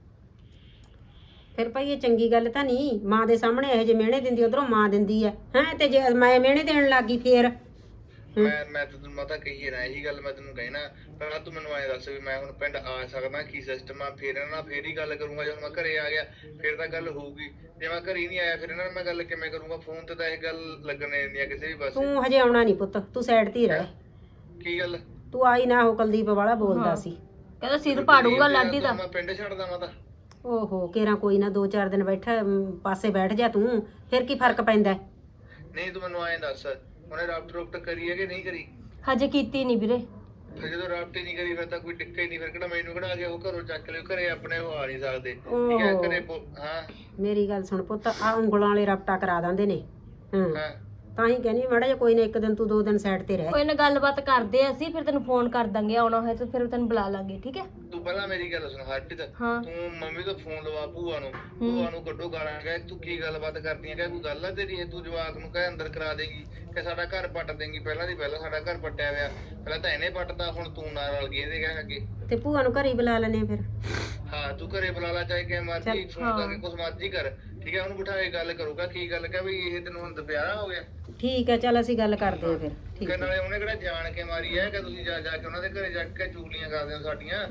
B: ਫਿਰ ਭਾਈ ਇਹ ਚੰਗੀ ਗੱਲ ਤਾਂ ਨਹੀਂ, ਮਾਂ ਦੇ ਸਾਹਮਣੇ ਇਹੋ ਜਿਹੇ ਮਿਹਣੇ ਦਿੰਦੀ, ਉਧਰੋਂ ਮਾਂ ਦਿੰਦੀ ਹੈ ਹੈ ਤੇ ਜੇ ਮੈਂ ਮਿਹਣੇ ਦੇਣ ਲੱਗ ਗਈ ਫੇਰ
F: ਮੈਂ ਮੈਂ ਤਾਂ ਤੈਨੂੰ ਪਤਾ ਕਹੀ ਨਾ ਇਹੀ ਗੱਲ ਮੈਂ ਤੈਨੂੰ ਕਹਿਣਾ। ਪਹਿਲਾਂ ਤੂੰ ਮੈਨੂੰ ਐਂ ਦੱਸ ਵੀ ਮੈਂ ਹੁਣ ਪਿੰਡ ਆ ਸਕਦਾ, ਕੀ ਸਿਸਟਮ ਆ? ਫੇਰ ਇਹਨਾਂ ਨਾਲ ਫੇਰ ਹੀ ਗੱਲ ਕਰੂੰਗਾ। ਜਦੋਂ ਮੈਂ ਘਰੇ ਆ ਗਿਆ ਫੇਰ ਤਾਂ ਗੱਲ ਹੋਊਗੀ। ਜੇ ਮੈਂ ਘਰੇ ਨਹੀਂ ਆਇਆ ਫਿਰ ਇਹਨਾਂ ਨਾਲ ਮੈਂ ਗੱਲ ਕਿਵੇਂ ਕਰੂੰਗਾ? ਫੋਨ ਤੇ ਤਾਂ ਇਹ ਗੱਲ ਲੱਗਣ ਨਹੀਂ ਦਿੰਦੀ ਕਿਸੇ ਵੀ ਪਾਸੇ।
B: ਤੂੰ ਹਜੇ ਆਉਣਾ ਨਹੀਂ ਪੁੱਤ, ਤੂੰ ਸਾਈਡ ਤੇ ਹੀ ਰਹਿ।
F: ਕੀ ਗੱਲ?
B: ਤੂੰ ਆਈ ਨਾ ਉਹ ਕੁਲਦੀਪ ਵਾਲਾ ਬੋਲਦਾ ਸੀ।
C: ਕਹਿੰਦਾ ਸਿਰ ਪਾੜੂਗਾ ਲਾਡੀ ਦਾ।
F: ਮੈਂ ਪਿੰਡ ਛੱਡਦਾ ਮੈਂ ਤਾਂ।
B: ਓਹੋ ਕੇਰਾ ਕੋਈ ਨਾ ਦੋ ਚਾਰ ਦਿਨ ਬੈਠਾ ਅਮ, ਪਾਸੇ ਬੈਠ ਜਾ ਤੂੰ, ਫਿਰ ਕੀ ਫਰਕ ਪੈਂਦਾ?
F: ਨਹੀਂ ਤੂੰ ਮੈਨੂੰ ਐਂ ਦੱਸ, ਉਹਨੇ ਰਾਬਟ ਰੁਬਟ ਕਰੀ ਹੈ ਕਿ ਨਹੀਂ ਕਰੀ?
C: ਹਜੇ ਕੀਤੀ ਨਹੀਂ ਵੀਰੇ।
F: ਫਿਰ ਜਦੋਂ ਰਾਬਟ ਹੀ ਨਹੀਂ ਕਰੀ ਫਿਰ ਤਾਂ ਕੋਈ ਟਿੱਕਾ ਹੀ ਨਹੀਂ। ਫਿਰ ਕਿਹੜਾ ਮੈਨੂੰ ਕਿਹੜਾ ਕੇ ਉਹ ਘਰੋਂ ਚੱਕ ਲਿਓ? ਘਰੇ ਆਪਣੇ ਉਹ ਆ ਨਹੀਂ ਸਕਦੇ। ਠੀਕ ਹੈ
B: ਓਹ।
F: ਘਰੇ ਬੋ- ਹਾਂ
B: ਮੇਰੀ ਗੱਲ ਸੁਣ ਪੁੱਤ, ਆ ਉਂਗਲਾਂ ਵਾਲੇ ਰਪਟਾ ਕਰਾ ਦਿੰਦੇ ਨੇ। ਹਾਂ
F: ਹਾਂ
B: ਤਾਂ ਹੀ ਕਹਿੰਦੀ ਮਾੜਾ ਜਿਹਾ ਕੋਈ ਨਾ ਇੱਕ ਦਿਨ ਤੂੰ ਦੋ ਦਿਨ ਸਾਈਡ ਤੇ ਰਹਿ।
C: ਕੋਈ ਨਾ ਗੱਲਬਾਤ ਕਰਦੇ ਆ ਅਸੀਂ, ਫਿਰ ਤੈਨੂੰ ਫੋਨ ਕਰ ਦਾਂਗੇ। ਆਉਣਾ ਹੋਇਆ ਤਾਂ ਫਿਰ ਤੈਨੂੰ ਬੁਲਾ ਲਾਂਗੇ, ਠੀਕ ਹੈ?
F: ਤੂੰ ਪਹਿਲਾਂ ਮੇਰੀ ਗੱਲ ਸੁਣ ਹਰਪ੍ਰੀਤ।
C: ਹਾਂ।
F: ਤੂੰ ਮੰਮੀ ਤੋਂ ਫੋਨ ਲਵਾ ਭੂਆ ਨੂੰ, ਭੂਆ ਨੂੰ ਕੱਢੋ ਗਾਲਾਂ। ਕਹਿ ਤੂੰ ਕੀ ਗੱਲਬਾਤ ਕਰਦੀ ਹੈ? ਕਹਿ ਕੋਈ ਗੱਲ ਆ ਤੇਰੀ? ਇਹ ਤੂੰ ਜਵਾਕ ਨੂੰ ਕਹਿ ਅੰਦਰ ਕਰਾ ਦੇਗੀ ਕਿ ਸਾਡਾ ਘਰ ਪੱਟ ਦੇਂਗੀ? ਪਹਿਲਾਂ ਦੀ ਪਹਿਲਾਂ ਸਾਡਾ ਘਰ ਪੱਟਿਆ ਹੋਇਆ। ਪਹਿਲਾਂ ਤਾਂ ਇਹਨੇ ਪੱਟਦਾ, ਹੁਣ ਤੂੰ ਨਾਲ ਰਲ ਗਈ ਇਹਦੇ ਕਹਿ ਅੱਗੇ।
B: ਤੇ ਭੂਆ ਨੂੰ ਘਰੇ ਹੀ ਬੁਲਾ ਲੈਨੇ ਫਿਰ।
F: ਹਾਂ ਤੂੰ ਘਰੇ ਬੁਲਾ ਲਾ, ਚਾਹੇ ਕਿ ਮਰਜ਼ੀ
B: ਚੱਲ,
F: ਫੋਨ
C: ਹਾਂ।
F: ਕਰਕੇ ਕੁਛ ਮਰਜ਼ੀ ਕਰ। ਠੀਕ ਹੈ ਉਹਨੂੰ ਬਿਠਾ ਕੇ ਗੱਲ ਕਰੂਗਾ। ਕੀ ਗੱਲ ਕਹਿ ਵੀ ਇਹ ਤੈਨੂੰ ਹੁਣ ਦੁਪਿਆਰਾ ਹੋ ਗਿਆ?
B: ਠੀਕ ਹੈ ਚੱਲ ਅਸੀਂ ਗੱਲ ਕਰਦੇ ਹਾਂ ਫਿਰ। ਠੀਕ
F: ਕਿ
B: ਹੈ
F: ਨਾਲੇ ਉਹਨੇ ਕਿਹੜਾ ਜਾਣ ਕੇ ਮਾਰੀ ਹੈ ਕਿ ਤੁਸੀਂ ਜਾ ਜਾ ਕੇ ਉਹਨਾਂ ਦੇ ਘਰੇ ਜਾ ਕੇ ਚੁਗਲੀਆਂ ਕਰਦੇ ਹੋ ਸਾਡੀਆਂ?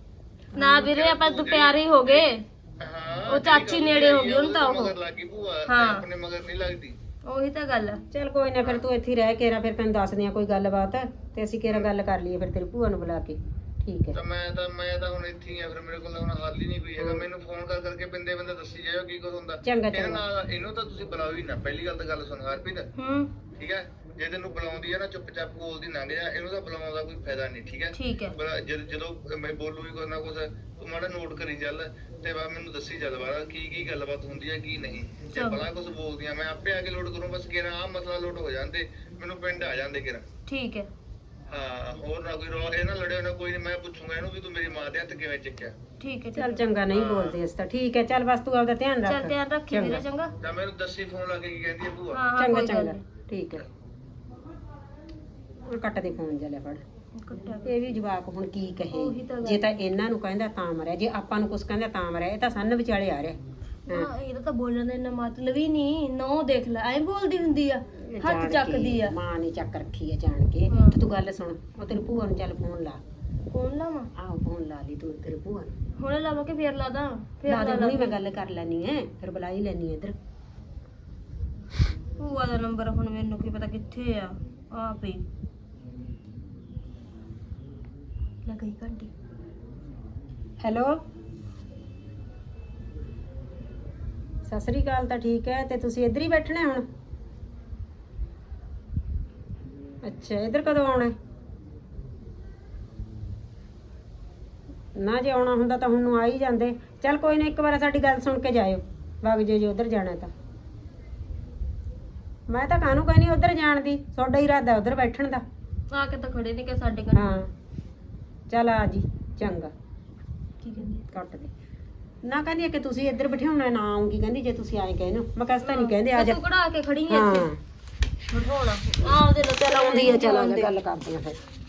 C: ਨਾ ਵੀਰੇ ਆਪਾਂ ਦੁਪਿਆਰੇ ਹੋ ਗਏ।
F: ਹਾਂ
C: ਉਹ ਚਾਚੀ ਨੇੜੇ ਹੋ ਗਈ ਉਹਨੂੰ ਤਾਂ ਉਹ।
F: ਮਗਰ ਲੱਗੀ ਭੂਆ,
C: ਹਾਂ।
F: ਆਪਣੇ ਮਗਰ ਨਹੀਂ ਲੱਗਦੀ।
C: ਉਹੀ ਤਾਂ ਗੱਲ ਆ।
B: ਚੱਲ ਕੋਈ ਨਾ ਫਿਰ ਤੂੰ ਇੱਥੇ ਹੀ ਰਹਿ ਕੇਰਾ, ਫਿਰ ਤੈਨੂੰ ਦੱਸਦੇ ਆ ਕੋਈ ਗੱਲਬਾਤ ਤੇ ਅਸੀਂ ਕੇਰਾ ਗੱਲ ਕਰ ਲਈਏ ਫਿਰ ਤੇਰੀ ਭੂਆ ਨੂੰ ਬੁਲਾ ਕੇ। ਠੀਕ ਹੈ
F: ਤਾਂ ਮੈਂ ਤਾਂ ਮੈਂ ਤਾਂ ਹੁਣ ਇੱਥੇ ਹੀ ਆ। ਫਿਰ ਮੇਰੇ ਕੋਲ ਹੁਣ ਹੱਲ ਹੀ ਨਹੀਂ ਕੋਈ ਹੈਗਾ। ਮੈਨੂੰ ਫੋਨ ਕਰ ਕਰਕੇ ਬਿੰਦੇ ਬਿੰਦੇ ਦੱਸੀ ਜਾਇਓ ਕੀ ਕੁਝ ਹੁੰਦਾ।
B: ਚੰਗਾ,
F: ਇਹਨਾਂ
B: ਚੰਗਾ।
F: ਨਾਲ ਇਹਨੂੰ ਤਾਂ ਤੁਸੀਂ ਬੁਲਾਓ ਹੀ ਨਾ। ਪਹਿਲੀ ਗੱਲ ਤਾਂ ਗੱਲ ਸੁਣ ਹਰਪ੍ਰੀਤ,
C: ਹੂੰ
F: ਠੀਕ ਹੈ? ਜੇ ਤੈਨੂੰ ਬੁਲਾਉਂਦੀ ਹੈ ਨਾ ਚੁੱਪਚਾਪ ਬੋਲਦੀ ਲੰਘ ਜਾ। ਇਹਨੂੰ ਤਾਂ ਬੁਲਾਉਣ ਦਾ ਕੋਈ ਫਾਇਦਾ ਨਹੀਂ। ਠੀਕ ਹੈ?
C: ਠੀਕ ਹੈ।
F: ਬੁਲਾ- ਜਦ- ਜਦੋਂ ਮੈਂ ਬੋਲੂਗੀ ਕੁਛ ਨਾ ਕੁਛ ਤੂੰ ਮਾੜਾ ਨੋਟ ਕਰੀ ਚੱਲ ਤੇ ਬਾਅਦ ਮੈਨੂੰ ਦੱਸੀ ਚੱਲ ਬਾਅਦ ਕੀ ਕੀ ਗੱਲਬਾਤ ਹੁੰਦੀ ਹੈ ਕੀ ਨਹੀਂ। ਜੇ
C: ਚਲੋ।
F: ਬੜਾ ਕੁਛ ਬੋਲਦੀਆਂ ਮੈਂ ਆਪੇ ਆ ਕੇ ਲੋਡ ਕਰੂੰ। ਬਸ ਕਿਹੜਾ ਆਹ ਮਸਲਾ ਲੋਡ ਹੋ ਜਾਂਦੇ ਮੈਨੂੰ ਪਿੰਡ ਆ ਜਾਂਦੇ ਕਿਹੜਾ।
C: ਠੀਕ ਹੈ।
F: ਹਾਂ ਹੋਰ ਨਾ ਕੋਈ ਰੋ ਇਹ ਨਾ ਲੜਿਓ ਨਾ ਕੋਈ ਨਹੀਂ। ਮੈਂ ਪੁੱਛੂੰਗਾ ਇਹਨੂੰ ਵੀ ਤੂੰ ਮੇਰੀ ਮਾਂ ਦੇ ਹੱਥ ਕਿਵੇਂ ਚੱਕਿਆ।
C: ਠੀਕ ਹੈ।
B: ਚੱਲ ਚੰਗਾ ਨਹੀਂ ਬੋਲਦੇ ਇਸ ਤਾਂ। ਠੀਕ ਹੈ ਚੱਲ ਬਸ ਤੂੰ ਆਪਦਾ ਧਿਆਨ ਰੱਖ।
C: ਚੱਲ ਧਿਆਨ ਰੱਖੀ ਵੀਰੇ, ਚੰਗਾ।
F: ਜਾਂ ਮੈਨੂੰ ਦੱਸੀ ਫੋਨ ਲਾ ਕੇ ਕੀ ਕਹਿੰਦੀ ਹੈ ਭੂਆ।
C: ਹਾਂ ਹਾਂ
B: ਚੰਗਾ
C: ਕੋਈ ਗੱਲ
B: ਚੰਗਾ
C: ਨੀ।
B: ਠੀਕ ਹੈ। ਹੁਣ ਕੱਟ ਦੇ ਫੋਨ ਜਾ ਲੈ ਫੜ।
C: ਕੁੱਟਿਆ।
B: ਇਹ ਵੀ ਜਵਾਕ ਹੁਣ ਕੀ
C: ਉਹੀ
B: ਕਹੇ?
C: ਤਾਂ ਗੱਲ।
B: ਜੇ ਤਾਂ ਇਹਨਾਂ ਨੂੰ ਕਹਿੰਦਾ ਤਾਂ ਮਰਿਆ, ਜੇ ਆਪਾਂ ਨੂੰ ਕੁਝ ਕਹਿੰਦਾ ਤਾਂ ਮਰਿਆ। ਇਹ ਤਾਂ ਸੰਨ ਵਿਚਾਲੇ ਆ ਰਿਹਾ।
C: ਹਾਂ ਇਹਦਾ ਤਾਂ ਬੋਲਣ ਦਾ ਇੰਨਾ ਮਤਲਬ ਹੀ ਨਹੀਂ। ਨੋ ਦੇਖ ਲੈ ਐਂ ਬੋਲਦੀ ਹੁੰਦੀ ਆ,
B: ਇਹ
C: ਹੱਥ
B: ਜਾਣ
C: ਚੱਕਦੀ
B: ਕੇ,
C: ਆ।
B: ਮਾਂ ਨੇ ਚੱਕ ਰੱਖੀ ਆ ਜਾਣ ਕੇ।
C: ਹਾਂ।
B: ਤੇ ਤੂੰ ਗੱਲ ਸੁਣ, ਉਹ ਤੇਰੀ ਭੂਆ ਨੂੰ ਚੱਲ ਫੋਨ ਲਾ।
C: ਕੌਣ ਲਾਵਾਂ?
B: ਆਹੋ ਫੋਨ ਲਾ ਲਈ ਤੂੰ ਤੇਰੀ ਭੂਆ ਨੂੰ।
C: ਹੁਣੇ ਲਾਵਾਂ ਕਿ ਫੇਰ ਲਾਦਾ? ਫੇਰ
B: ਲਾ
C: ਲਾ
B: ਦੇ ਹੁਣੀ,
C: ਲਾ।
B: ਮੈਂ ਗੱਲ ਕਰ ਲੈਣੀ ਐ, ਫਿਰ ਬੁਲਾ ਹੀ ਲੈਣੀ ਐ ਇੱਧਰ।
C: ਭੂਆ ਦਾ ਨੰਬਰ ਹੁਣ ਮੈਨੂੰ ਕੀ ਪਤਾ ਕਿੱਥੇ ਆ। ਆਪ ਹੀ ਲਗਾਈ ਘੰਟੀ।
B: ਹੈਲੋ ਸਤਿ ਸ੍ਰੀ ਅਕਾਲ। ਤਾਂ ਠੀਕ ਹੈ ਤੇ ਤੁਸੀਂ ਇੱਧਰ ਹੀ ਬੈਠਣਾ ਹੁਣ? ਅੱਛਾ ਇੱਧਰ ਕਦੋਂ ਆਉਣਾ ਹੈ? ਨਾ ਜੇ ਆਉਣਾ ਹੁੰਦਾ ਤਾਂ ਹੁਣ ਨੂੰ ਆ ਹੀ ਜਾਂਦੇ। ਚੱਲ ਕੋਈ ਨਾ ਇੱਕ ਵਾਰ ਸਾਡੀ ਗੱਲ ਸੁਣ ਕੇ ਜਾਇਓ, ਵਗ ਜੇ ਜੇ ਉਧਰ ਜਾਣਾ ਤਾਂ। ਮੈਂ ਤਾਂ ਕਾਹਨੂੰ ਕਹਿੰਦੀ ਉਧਰ ਜਾਣ ਦੀ, ਤੁਹਾਡਾ ਹੀ ਇਰਾਦਾ ਉਧਰ ਬੈਠਣ ਦਾ।
C: ਆ ਕੇ ਤਾਂ ਖੜੇ ਨੇ ਕਿ ਸਾਡੇ ਘਰ।
B: ਹਾਂ ਚੱਲ ਆ ਜੀ ਚੰਗਾ।
C: ਕੀ ਕਹਿੰਦੇ?
B: ਕੱਟ ਦੇ ਨਾ। ਕਹਿੰਦੀ ਆ ਕਿ ਤੁਸੀਂ ਇੱਧਰ ਬਿਠਾਉਣਾ ਨਾ ਆਉਂਗੀ। ਕਹਿੰਦੀ ਜੇ ਤੁਸੀਂ ਆਏ ਕਹੇ ਨਾ। ਮੈਂ ਕਸਤਾ ਨਹੀਂ ਕਹਿੰਦੇ ਆ ਜਾ।
C: ਤੂੰ ਕਿਹੜਾ ਆ ਕੇ ਖੜੀ ਆ
B: ਹਾਂ
C: ਇੱਥੇ? ਬਿਠਾਉਣਾ ਆਪਦੇ ਨਾਲ
B: ਚੱਲ ਆਉਂਦੀ ਆ, ਚੱਲ ਆ ਜਾ ਗੱਲ ਕਰਦੇ ਆ ਫਿਰ।